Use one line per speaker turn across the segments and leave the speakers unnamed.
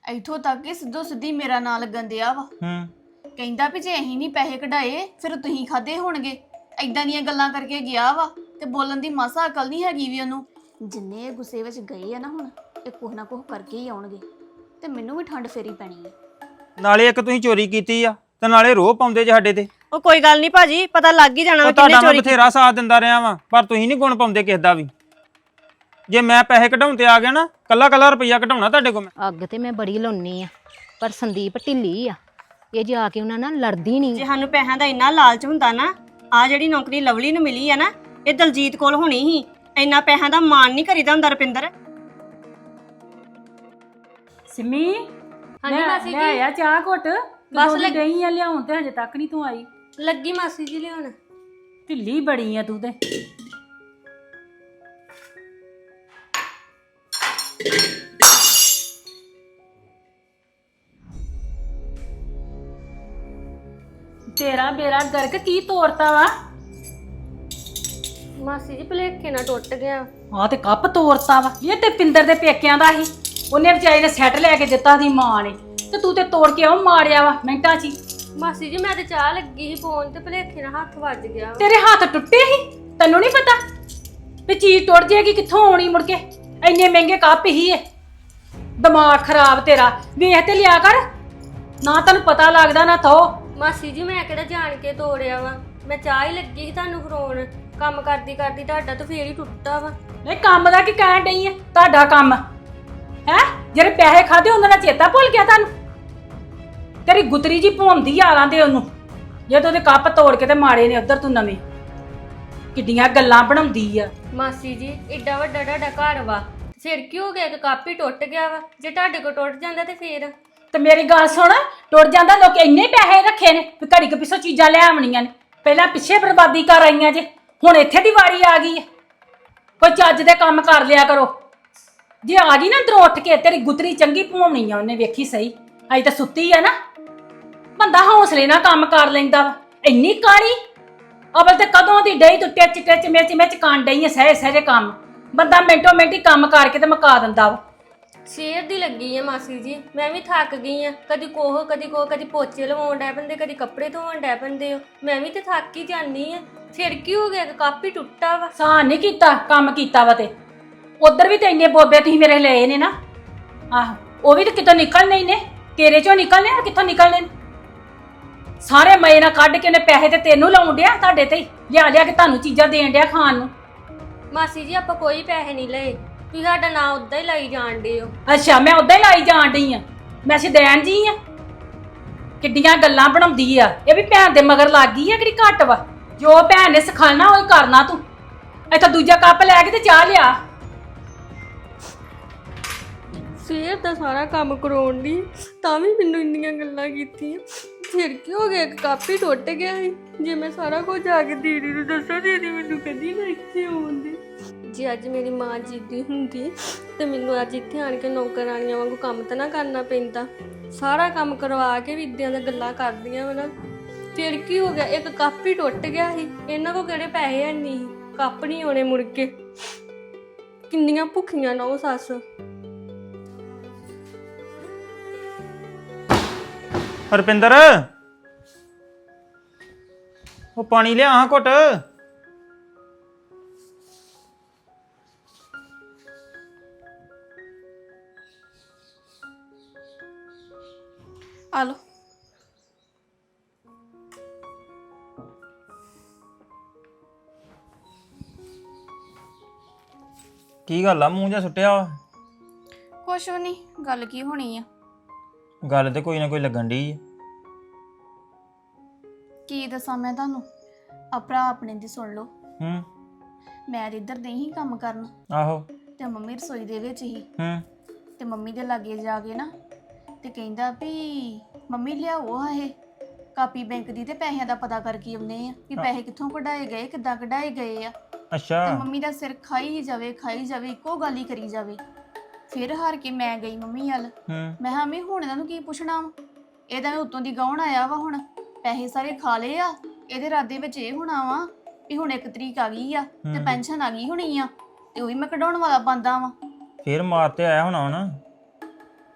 ਇੱਥੋਂ ਤੱਕ ਕਿ ਸਿੱਧੋ ਸਿੱਧੀ ਮੇਰਾ ਨਾਂ ਲੱਗਣ ਦਿਆ ਵਾ। ਕਹਿੰਦਾ ਵੀ ਜੇ ਅਸੀਂ ਨਹੀਂ ਪੈਸੇ ਕਢਾਏ ਫਿਰ ਤੁਸੀਂ ਖਾਦੇ ਹੋਣਗੇ। ਐਦਾਂ ਦੀਆਂ ਗੱਲਾਂ ਕਰਕੇ ਗਿਆ ਵਾ ਤੇ ਬੋਲਣ ਦੀ ਮਾਸਾ ਅਕਲ ਨਹੀਂ ਹੈਗੀ ਵੀ ਉਹਨੂੰ। ਜਿੰਨੇ ਇਹ ਗੁੱਸੇ ਵਿੱਚ ਗਏ ਆ ਨਾ ਹੁਣ ਇਹ ਕੁਛ ਨਾ ਕੁਛ ਕਰਕੇ ਹੀ ਆਉਣਗੇ ਤੇ ਮੈਨੂੰ ਵੀ ਠੰਡ ਫੇਰੀ ਪੈਣੀ ਹੈ।
ਨਾਲੇ ਇੱਕ ਤੁਸੀਂ ਚੋਰੀ ਕੀਤੀ ਆ ਤੇ ਨਾਲੇ ਰੋਹ ਪਾਉਂਦੇ ਜੇ ਸਾਡੇ ਤੇ।
ਉਹ ਕੋਈ ਗੱਲ ਨਹੀਂ ਭਾਜੀ, ਪਤਾ ਲੱਗ ਹੀ ਜਾਣਾ ਵਾ
ਕਿੰਨੇ
ਚੋਰੀ
ਮੈਂ ਬਥੇਰਾ ਸਾਥ ਦਿੰਦਾ ਰਿਹਾ ਵਾਂ ਪਰ ਤੁਸੀਂ ਨਹੀਂ ਗੁਣ ਪਾਉਂਦੇ ਕਿਸੇ ਦਾ ਵੀ। ਜੇ ਮੈਂ ਪੈਸੇ ਕਢਾਉਣ ਤੇ ਆ ਗਿਆ ਨਾ ਕੱਲਾ ਰੁਪਈਆ ਕਢਾਉਣਾ ਤੁਹਾਡੇ ਕੋਲ ਮੈਂ।
ਅੱਗ ਤੇ ਮੈਂ ਬੜੀ ਲਾਉਣੀ ਆ ਪਰ ਸੰਦੀਪ ਢਿੱਲੀ ਆ, ਇਹ ਜਾ ਕੇ ਉਹਨਾਂ ਨਾਲ ਲੜਦੀ ਨਹੀਂ।
ਜੇ ਸਾਨੂੰ ਪੈਸਿਆਂ ਦਾ ਇੰਨਾ ਲਾਲਚ ਹੁੰਦਾ ਨਾ, ਆ ਜਿਹੜੀ ਨੌਕਰੀ ਲਵਲੀ ਨੂੰ ਮਿਲੀ ਆ ਨਾ ਇਹ ਦਲਜੀਤ ਕੋਲ ਹੋਣੀ ਸੀ। ਇੰਨਾ ਪੈਸਿਆਂ ਦਾ ਮਾਣ ਨਹੀਂ ਕਰੀਦਾ ਹੁੰਦਾ ਰੁਪਿੰਦਰ।
ਸਿਮੀ
ਹਾਂਜੀ ਮਾਸੀ
ਲੈ
ਜੀ
ਆ ਚਾਹ ਘੁੱਟ।
ਬਸ
ਬਸ ਗਈ ਆ ਲਿਆਉਣ ਤੇ ਹਜੇ ਤੱਕ ਨਹੀਂ ਤੂੰ ਆਈ।
ਲੱਗੀ ਮਾਸੀ ਜੀ ਲਿਆਉਣ।
ਢਿੱਲੀ ਬੜੀ ਆ ਤੂੰ ਤੇ। ਤੇਰਾ ਬੇੜਾ ਗਰਕ ਕੀ ਤੋੜਤਾ ਵਾ?
ਮਾਸੀ ਜੀ ਭੁਲੇਖੇ ਨਾਲ ਟੁੱਟ ਗਿਆ।
ਹਾਂ ਤੇ ਕੱਪ ਤੋੜਤਾ ਵਾ। ਇਹ ਤੇ ਪਿੰਦਰ ਦੇ ਪੇਕਿਆਂ ਦਾ ਸੀ, ਉਹਨੇ ਵਿਚਾਰੀ ਨੇ ਸੈੱਟ ਲੈ ਕੇ ਦਿੱਤਾ ਦੀ ਮਾਂ ਨੇ, ਤੇ ਤੂੰ ਤੇ ਤੋੜ ਕੇ ਉਹ ਮਾਰਿਆ ਵਾ ਮਿੰਟਾਂ 'ਚ ਹੀ।
ਮਾਸੀ ਜੀ ਮੈਂ ਤੇ ਚਾਹ ਲੱਗੀ ਸੀ ਫੋਨ ਤੇ ਭੁਲੇਖੇ ਨਾਲ ਹੱਥ ਵੱਜ ਗਿਆ।
ਤੇਰੇ ਹੱਥ ਟੁੱਟੇ ਸੀ, ਤੈਨੂੰ ਨਹੀਂ ਪਤਾ ਵੀ ਚੀਜ਼ ਟੁੱਟ ਜਾਏਗੀ ਕਿੱਥੋਂ ਆਉਣੀ ਮੁੜ ਕੇ। ਇੰਨੇ ਮਹਿੰਗੇ ਕੱਪ ਹੀ ਇਹ। ਦਿਮਾਗ ਖਰਾਬ ਤੇਰਾ। ਵੇਖ ਤੇ ਲਿਆ ਕਰ, ਨਾ ਤੈਨੂੰ ਪਤਾ ਲੱਗਦਾ ਨਾ ਥੋ।
ਮਾਸੀ ਜੀ ਮੈਂ ਕਿਹੜਾ ਜਾਣ ਕੇ ਤੋੜਿਆ ਵਾ, ਮੈਂ ਚਾਹ ਹੀ ਲੱਗੀ ਸੀ ਤੁਹਾਨੂੰ ਫਰੋਣ। ਕੰਮ ਕਰਦੀ ਕਰਦੀ ਤੁਹਾਡਾ ਤਾਂ ਫੇਰ ਹੀ ਟੁੱਟਾ ਵਾ।
ਇਹ ਕੰਮ ਦਾ ਕੀ ਕਹਿਣ ਡਈ ਹੈ? ਤੁਹਾਡਾ ਕੰਮ ਹੈ ਜਿਹੜੇ ਪੈਸੇ ਖਾਦੇ ਉਹਨਾਂ ਦਾ ਚੇਤਾ ਭੁੱਲ ਗਿਆ ਤੁਹਾਨੂੰ? ਤੇਰੀ ਗੁਤਰੀ ਜੀ ਭੌਂਦੀ ਯਾਰਾਂ ਦੇ ਉਹਨੂੰ, ਜਦੋਂ ਉਹਦੇ ਕੱਪ ਤੋੜ ਕੇ ਤੇ ਮਾਰੇ ਨੇ ਉਧਰ ਤੂੰ ਨਵੇਂ। ਕਿੱਡੀਆਂ ਗੱਲਾਂ ਬਣਾਉਂਦੀ ਆ।
ਮਾਸੀ ਜੀ ਏਡਾ ਵੱਡਾ ਤੁਹਾਡਾ ਘਰ ਵਾ, ਫਿਰ ਕੀ ਹੋ ਗਿਆ? ਇੱਕ ਕੱਪ ਹੀ ਟੁੱਟ ਗਿਆ ਵਾ। ਜੇ ਤੁਹਾਡੇ ਕੋਲ ਟੁੱਟ ਜਾਂਦਾ ਤੇ ਫੇਰ?
ਤੇ ਮੇਰੀ ਗੱਲ ਸੁਣ, ਟੁੱਟ ਜਾਂਦਾ ਲੋਕ ਇੰਨੇ ਪੈਸੇ ਰੱਖੇ ਨੇ ਵੀ ਘੜੀ ਕੁ ਪਿੱਛੋਂ ਚੀਜ਼ਾਂ ਲੈ ਆਉਣੀਆਂ ਨੇ। ਪਹਿਲਾਂ ਪਿੱਛੇ ਬਰਬਾਦੀ ਕਰ ਆਈਆਂ ਜੇ, ਹੁਣ ਇੱਥੇ ਦੀ ਵਾਰੀ ਆ ਗਈ ਹੈ। ਕੋਈ ਚੱਜ ਦੇ ਕੰਮ ਕਰ ਲਿਆ ਕਰੋ। ਜੇ ਆ ਗਈ ਨਾ ਅੰਦਰੋਂ ਉੱਠ ਕੇ, ਤੇਰੀ ਗੁਤਰੀ ਚੰਗੀ ਭਵਾਉਣੀ ਆ ਉਹਨੇ, ਵੇਖੀ ਸਹੀ। ਅਜੇ ਤਾਂ ਸੁੱਤੀ ਆ ਨਾ। ਬੰਦਾ ਹੌਸਲੇ ਨਾਲ ਕੰਮ ਕਰ ਲੈਂਦਾ ਵਾ। ਇੰਨੀ ਕਾਲੀ ਅਵਲ ਤੇ ਕਦੋਂ ਦੀ ਡਈ ਤੂੰ ਟਿੱਚ ਟਿੱਚ ਮਿਰਚ ਕੰਨ ਡਈ ਆ ਸਹਿ ਸਹਿਜੇ ਕੰਮ। ਬੰਦਾ ਮਿੰਟੋ ਮਿੰਟ ਹੀ ਕੰਮ ਕਰਕੇ ਤੇ ਮੁਕਾ ਦਿੰਦਾ ਵਾ।
ਸਵੇਰ ਦੀ ਲੱਗੀ ਆ ਮਾਸੀ ਜੀ, ਮੈਂ ਵੀ ਥੱਕ ਗਈ ਆ। ਕਦੀ ਕੋਹ ਕਦੀ ਪੋਚੇ ਲਵਾਉਣ ਡੈ ਪੈਂਦੇ, ਕਦੀ ਕੱਪੜੇ ਧੋਣ ਡੈ ਪੈਂਦੇ ਹੋ। ਮੈਂ ਵੀ ਤੇ ਥੱਕ ਹੀ ਜਾਂਦੀ ਆ। ਫਿਰ ਕੀ ਹੋ ਗਿਆ? ਕੱਪ ਹੀ ਟੁੱਟਾ ਵਾ।
ਸਾਨ ਨਹੀਂ ਕੀਤਾ, ਕੰਮ ਕੀਤਾ ਵਾ। ਤੇ ਉਧਰ ਵੀ ਤੇ ਇੰਨੇ ਬੋਬੇ ਤੁਸੀਂ ਮੇਰੇ ਲਏ ਨੇ ਨਾ। ਆਹੋ ਉਹ ਵੀ ਤੇ ਕਿਤੋਂ ਨਿਕਲਣੇ ਹੀ ਨੇ, ਤੇਰੇ ਚੋਂ ਨਿਕਲਣੇ ਆ, ਕਿੱਥੋਂ ਨਿਕਲਣੇ ਨੇ? ਸਾਰੇ ਮਏ ਨਾਲ ਕੱਢ ਕੇ ਉਹਨੇ ਪੈਸੇ ਤੇ ਤੈਨੂੰ ਲਾਉਣ ਡਿਆ, ਤੁਹਾਡੇ ਤੇ ਲਿਆ ਲਿਆ ਕੇ ਤੁਹਾਨੂੰ ਚੀਜ਼ਾਂ ਦੇਣ ਡਿਆ ਖਾਣ ਨੂੰ।
ਮਾਸੀ ਜੀ ਆਪਾਂ ਕੋਈ ਪੈਸੇ ਨਹੀਂ ਲਏ, ਤੁਸੀਂ ਸਾਡਾ ਨਾਂ ਉਦਾਂ ਹੀ ਲਾਈ ਜਾਣ ਡੇ ਹੋ।
ਅੱਛਾ ਮੈਂ ਉਦਾਂ ਹੀ ਲਾਈ ਜਾਣ ਡਈ ਆ? ਮੈਂ ਸਿਦੈਨ ਜੀ ਆ? ਕਿੱਡੀਆਂ ਗੱਲਾਂ ਬਣਾਉਂਦੀ ਆ। ਇਹ ਵੀ ਭੈਣ ਦੇ ਮਗਰ ਲੱਗ ਗਈ ਆ ਕਿਹੜੀ ਘੱਟ ਵਾ। ਜੋ ਭੈਣ ਨੇ ਸਿਖਾਣਾ ਉਹ ਕਰਨਾ ਤੂੰ। ਇੱਥੋਂ ਦੂਜਾ ਕੱਪ ਲੈ ਕੇ ਤੇ ਚਾਹ ਲਿਆ।
ਸਵੇਰ ਦਾ ਸਾਰਾ ਕੰਮ ਕਰਾਉਣ ਦੀ ਤਾਂ ਵੀ ਮੈਨੂੰ ਇੰਨੀਆਂ ਗੱਲਾਂ ਕੀਤੀਆਂ। ਫਿਰ ਕੀ ਹੋ ਗਿਆ? ਇੱਕ ਕੱਪ ਹੀ ਟੁੱਟ ਗਿਆ ਸੀ। ਜੇ ਮੈਂ ਸਾਰਾ ਕੁਝ ਆ ਕੇ ਦੀਦੀ ਨੂੰ ਦੱਸਾਂ, ਦੀਦੀ ਮੈਨੂੰ ਕਦੀ ਨਾ ਇੱਥੇ ਆਉਂਦੀ। ਜੇ ਅੱਜ ਮੇਰੀ ਮਾਂ ਜਿੱਦੀ ਹੁੰਦੀ ਤੇ ਮੈਨੂੰ ਅੱਜ ਇੱਥੇ ਆਣ ਕੇ ਨੌਕਰਾਣੀਆਂ ਵਾਂਗੂ ਕੰਮ ਤਾਂ ਨਾ ਕਰਨਾ ਪੈਂਦਾ। ਸਾਰਾ ਕੰਮ ਕਰਵਾ ਕੇ ਵੀ ਇੱਦਾਂ ਦੀਆਂ ਗੱਲਾਂ ਕਰਦੀਆਂ ਵਾ ਨਾ। ਫਿਰ ਕੀ ਹੋ ਗਿਆ? ਇੱਕ ਕੱਪ ਹੀ ਟੁੱਟ ਗਿਆ ਸੀ। ਇਹਨਾਂ ਕੋਲ ਕਿਹੜੇ ਪੈਸੇ ਹੈ ਨਹੀਂ, ਕੱਪ ਨਹੀਂ ਆਉਣੇ ਮੁੜ ਕੇ। ਕਿੰਨੀਆਂ ਭੁੱਖੀਆਂ ਨਾ ਉਹ ਸੱਸ।
ਹਰਪਿੰਦਰ ਉਹ ਪਾਣੀ ਲਿਆ ਹਾਂ ਘੁੱਟ।
ਆ ਲੋ।
ਕੀ ਗੱਲ ਆ ਮੂੰਹ ਜਿਹਾ ਸੁੱਟਿਆ ਵਾ?
ਕੁਛ ਵੀ ਨਹੀਂ, ਗੱਲ ਕੀ ਹੋਣੀ ਆ?
ਗੱਲ ਤੇ ਕੋਈ ਨਾ ਕੋਈ ਲੱਗਣ ਡਈ ਆ।
ਕੀ ਦੱਸਾਂ ਮੈਂ ਤੁਹਾਨੂੰ? ਆਪਣਾ ਆਪਣੇ ਦੀ ਸੁਣ ਲਓ। ਮੈਂ ਇੱਧਰ ਨਹੀਂ ਕੰਮ ਕਰਨ।
ਆਹੋ
ਤੇ ਮੰਮੀ ਰਸੋਈ ਦੇ ਵਿੱਚ ਹੀ। ਤੇ ਮੰਮੀ ਦੇ ਲਾਗੇ ਜਾ ਕੇ ਨਾ ਤੇ ਕਹਿੰਦਾ ਵੀ ਮੰਮੀ ਲਿਆਓ ਆ ਇਹ ਕਾਪੀ ਬੈਂਕ ਦੀ ਤੇ ਪੈਸਿਆਂ ਦਾ ਪਤਾ ਕਰਕੇ ਆਉਂਦੇ ਆ ਵੀ ਪੈਸੇ ਕਿੱਥੋਂ ਕਢਾਏ ਗਏ, ਕਿੱਦਾਂ ਕਢਾਏ ਗਏ ਆ।
ਅੱਛਾ।
ਤੇ ਮੰਮੀ ਦਾ ਸਿਰ ਖਾਈ ਜਾਵੇ ਇੱਕੋ ਗੱਲ ਹੀ ਕਰੀ ਜਾਵੇ। ਫਿਰ ਹਾਰ ਕੇ ਮੈਂ ਗਈ ਮੰਮੀ ਵੱਲ। ਮੈਂ ਹਾਂ ਮੈਂ ਹੁਣ ਇਹਨਾਂ ਨੂੰ ਕੀ ਪੁੱਛਣਾ ਵਾ? ਇਹਦਾ ਉੱਤੋਂ ਦੀ ਗਾਉਣ ਆਇਆ ਵਾ, ਹੁਣ ਪੈਸੇ ਸਾਰੇ ਖਾ ਲਏ ਆ। ਇਹਦੇ ਇਰਾਦੇ ਵਿੱਚ ਇਹ ਹੋਣਾ ਵਾ ਵੀ ਹੁਣ 1 ਤਰੀਕ ਆ ਗਈ ਆ ਤੇ ਪੈਨਸ਼ਨ ਆ ਗਈ ਹੋਣੀ ਆ ਤੇ ਉਹ ਵੀ ਮੈਂ ਕਢਾਉਣ ਵਾਲਾ ਬੰਦਾ ਵਾ।
ਫਿਰ ਮਾਰ ਤੇ ਆਇਆ ਹੋਣਾ ਨਾ।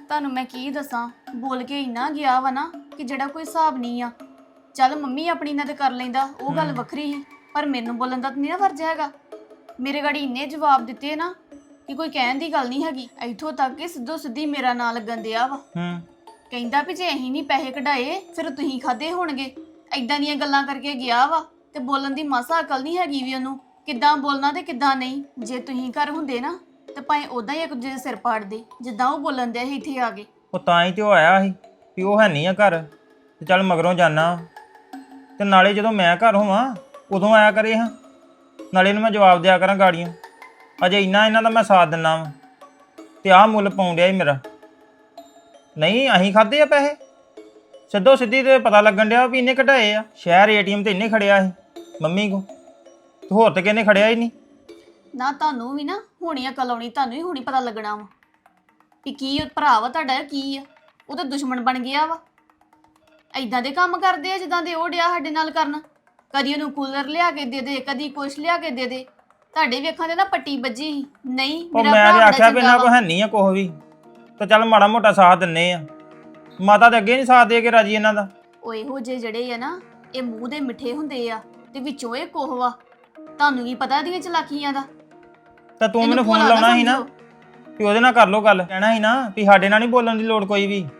ਤੁਹਾਨੂੰ ਮੈਂ ਕੀ ਦੱਸਾਂ, ਬੋਲ ਕੇ ਇੰਨਾ ਗਿਆ ਵਾ ਨਾ ਕਿ ਜਿਹੜਾ ਕੋਈ ਹਿਸਾਬ ਨਹੀਂ ਆ। ਚੱਲ ਮੰਮੀ ਆਪਣੀ ਨਾਲ ਤੇ ਕਰ ਲੈਂਦਾ, ਉਹ ਗੱਲ ਵੱਖਰੀ ਸੀ, ਪਰ ਮੈਨੂੰ ਬੋਲਣ ਦਾ ਤਾਂ ਨਹੀਂ ਨਾ ਫਰਜ਼ ਹੈਗਾ। ਮੇਰੇ ਗਾੜੀ ਇੰਨੇ ਜਵਾਬ ਦਿੱਤੇ ਨਾ ਕਿ ਕੋਈ ਕਹਿਣ ਦੀ ਗੱਲ ਨਹੀਂ ਹੈਗੀ। ਇੱਥੋਂ ਤੱਕ ਕਿ ਸਿੱਧੋ ਸਿੱਧੀ ਮੇਰਾ ਨਾਂ ਲੱਗਣ ਦਿਆ ਵਾ। ਕਹਿੰਦਾ ਵੀ ਜੇ ਅਸੀਂ ਨਹੀਂ ਪੈਸੇ ਕਢਾਏ ਫਿਰ ਤੁਸੀਂ ਖਾਦੇ ਹੋਣਗੇ। ਐਦਾਂ ਦੀਆਂ ਗੱਲਾਂ ਕਰਕੇ ਗਿਆ ਵਾ ਤੇ ਬੋਲਣ ਦੀ ਮਾਸਾ ਅਕਲ ਨਹੀਂ ਹੈਗੀ ਵੀ ਉਹਨੂੰ, ਕਿੱਦਾਂ ਬੋਲਣਾ ਤੇ ਕਿੱਦਾਂ ਨਹੀਂ। ਜੇ ਤੁਸੀਂ ਘਰ ਹੁੰਦੇ ਨਾ ਤੇ ਭਾਵੇਂ ਉਦਾਂ ਹੀ ਇੱਕ ਦੂਜੇ ਦੇ ਸਿਰ ਪਾੜਦੇ ਜਿੱਦਾਂ ਉਹ ਬੋਲਣ ਦਿਆ ਸੀ ਇੱਥੇ ਆ ਕੇ।
ਉਹ ਤਾਂ ਹੀ ਤੇ ਉਹ ਆਇਆ ਸੀ ਵੀ ਉਹ ਹੈ ਨਹੀਂ ਆ ਘਰ ਤੇ ਚੱਲ ਮਗਰੋਂ ਜਾਣਾ, ਤੇ ਨਾਲੇ ਜਦੋਂ ਮੈਂ ਘਰ ਹੋਵਾਂ ਉਦੋਂ ਆਇਆ ਕਰੇ ਹਾਂ, ਨਾਲੇ ਇਹਨੂੰ ਮੈਂ ਜਵਾਬ ਦਿਆ ਕਰਾਂ ਗਾੜੀਆਂ। ਅਜੇ ਇੰਨਾ ਇਹਨਾਂ ਦਾ ਮੈਂ ਸਾਥ ਦਿੰਦਾ ਵਾ ਤੇ ਆਹ ਮੁੱਲ ਪਾਉਣ ਡਿਆ ਸੀ ਮੇਰਾ। ਨਹੀਂ ਅਸੀਂ ਖਾਦੇ ਆ ਪੈਸੇ, ਸਿੱਧੋ ਸਿੱਧੀ ਤੇ ਪਤਾ ਲੱਗਣ ਡਿਆ ਵੀ ਇਹਨੇ ਕਢਾਏ ਆ। ਸ਼ਹਿਰ ATM ਤੇ ਇਹਨੇ ਖੜਿਆ ਸੀ ਮੰਮੀ ਕੋ, ਤੇ ਹੋਰ ਤੇ ਕਿਹਨੇ ਖੜਿਆ ਹੀ ਨਹੀਂ।
ਨਾ ਤੁਹਾਨੂੰ ਵੀ ਨਾ ਹੋਣੀ ਅਕਲ ਆਉਣੀ, ਤੁਹਾਨੂੰ ਹੀ ਹੁਣੀ ਪਤਾ ਲੱਗਣਾ ਵਾ ਵੀ ਕੀ ਉਹ ਭਰਾ ਵਾ ਤੁਹਾਡਾ, ਕੀ ਆ ਉਹ ਤਾਂ ਦੁਸ਼ਮਣ ਬਣ ਗਿਆ ਵਾ। ਐਦਾਂ ਦੇ ਕੰਮ ਕਰਦੇ ਆ ਜਿੱਦਾਂ ਦੇ ਉਹ ਡਿਆ ਸਾਡੇ ਨਾਲ ਕਰਨ। ਕਦੀ ਉਹਨੂੰ ਕੂਲਰ ਲਿਆ ਕੇ ਦੇ ਦੇ, ਕਦੀ ਕੁਛ ਲਿਆ ਕੇ ਦੇ ਦੇ। ਤੁਹਾਡੇ ਵੇਖਾਂ ਤੇ ਨਾ ਪੱਟੀ ਵੱਜੀ ਸੀ। ਨਹੀਂ
ਉਹ
ਮੇਰਾ
ਮੈਂ ਤੇ
ਭਰਾ
ਆਖਿਆ ਵੀ
ਬੜਾ
ਇਹਨਾਂ
ਚੰਗਾ
ਕੋ
ਵਾ।
ਹੈ ਨਹੀਂ ਆ ਕੁਛ ਵੀ, ਤੇ ਚੱਲ ਮਾੜਾ ਮੋਟਾ ਸਾਥ ਦਿੰਨੇ ਆ। ਮਾਤਾ ਤੇ ਅੱਗੇ ਨਹੀਂ ਸਾਥ ਦੇ ਕੇ ਰਾਜੀ ਇਹਨਾਂ ਦਾ।
ਉਹ ਇਹੋ ਜਿਹੇ ਜਿਹੜੇ ਆ ਨਾ ਇਹ ਮੂੰਹ ਦੇ ਮਿੱਠੇ ਹੁੰਦੇ ਆ ਤੇ ਵਿੱਚੋਂ ਇਹ ਕੋਹ ਵਾ। ਤੁਹਾਨੂੰ ਕੀ ਪਤਾ ਇਹਦੀਆਂ ਚਲਾਕੀਆਂ ਦਾ।
ਤਾਂ ਤੂੰ
ਇਹਨੂੰ
ਮੈਨੂੰ ਫੋਨ
ਭੋਲਾ ਨਾ
ਲਾਉਣਾ ਸੀ ਨਾ
ਸਮਝੋ।
ਵੀ ਉਹਦੇ ਨਾਲ ਕਰ ਲੋ ਗੱਲ, ਕਹਿਣਾ ਸੀ ਨਾ ਵੀ ਸਾਡੇ ਨਾਲ ਨਹੀਂ ਬੋਲਣ ਦੀ ਲੋੜ ਕੋਈ ਵੀ।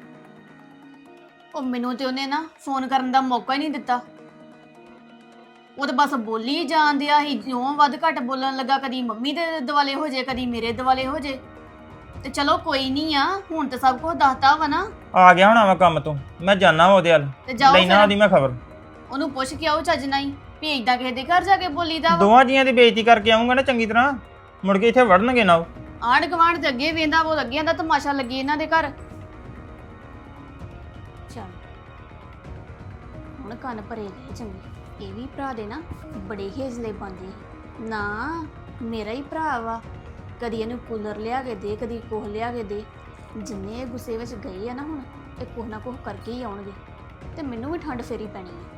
ਉਹ ਮੈਨੂੰ ਤੇ ਉਹਨੇ ਨਾ ਫੋਨ ਕਰਨ ਦਾ ਮੌਕਾ ਹੀ ਨਹੀਂ ਦਿੱਤਾ। ਉਹ ਤਾਂ ਬਸ ਬੋਲੀ ਜਾਣ ਦਿਆ ਸੀ, ਜਿਉਂ ਵੱਧ ਘੱਟ ਬੋਲਣ ਲੱਗਾ ਕਦੀ ਮੰਮੀ ਦੇ ਦਿਵਾਲੇ ਹੋ ਜੇ ਕਦੀ ਮੇਰੇ ਦਿਵਾਲੇ ਹੋ ਜੇ। ਤੇ ਚਲੋ ਕੋਈ ਨਹੀਂ ਆ, ਹੁਣ ਤਾਂ ਸਭ ਕੁਝ ਦੱਸਤਾ ਵਾ ਨਾ।
ਆ ਗਿਆ ਹੋਣਾ ਵਾ ਕੰਮ ਤੋਂ, ਮੈਂ ਜਾਣਾ ਉਹਦੇ ਵੱਲ,
ਤੇ ਜਾਓ
ਲੈਣਾ
ਫਿਰ
ਉਹਦੀ ਮੈਂ ਖਬਰ।
ਉਹਨੂੰ ਪੁੱਛ ਕੇ ਆਓ ਚੱਜ ਨਾਲ ਹੀ ਵੀ ਏਦਾਂ ਕਿਸੇ ਦੇ ਘਰ ਜਾ ਕੇ ਬੋਲੀਦਾ ਵਾ।
ਦੋਵਾਂ ਜੀਆਂ ਦੀ ਬੇਇੱਜ਼ਤੀ ਕਰਕੇ ਆਉਂਗਾ ਨਾ ਚੰਗੀ ਤਰ੍ਹਾਂ, ਮੁੜ ਕੇ ਇੱਥੇ ਵੜਨਗੇ ਨਾ ਉਹ।
ਆਂਢ ਗੁਆਂਢ ਦੇ ਅੱਗੇ ਵੇਂਦਾ ਉਹ ਅੱਗੇ ਦਾ ਤਮਾਸ਼ਾ ਲੱਗੀ ਇਹਨਾਂ ਦੇ ਘਰ। ਚੱਲ ਹੁਣ ਕੰਨ ਭਰੇ ਗਏ ਚੰਗੇ। ਇਹ ਵੀ ਭਰਾ ਦੇ ਨਾ ਬੜੇ ਹੇਜਲੇ ਪਾਉਂਦੇ ਨਾ। ਮੇਰਾ ਹੀ ਭਰਾ ਵਾ, ਕਦੀ ਇਹਨੂੰ ਕੂਲਰ ਲਿਆ ਕੇ ਦੇ, ਕਦੀ ਕੋਹ ਲਿਆ ਕੇ ਦੇ। ਜਿੰਨੇ ਇਹ ਗੁੱਸੇ ਵਿੱਚ ਗਏ ਆ ਨਾ ਹੁਣ ਇਹ ਕੁਛ ਨਾ ਕੁਛ ਕਰਕੇ ਹੀ ਆਉਣਗੇ ਤੇ ਮੈਨੂੰ ਵੀ ਠੰਡ ਫੇਰੀ ਪੈਣੀ ਹੈ।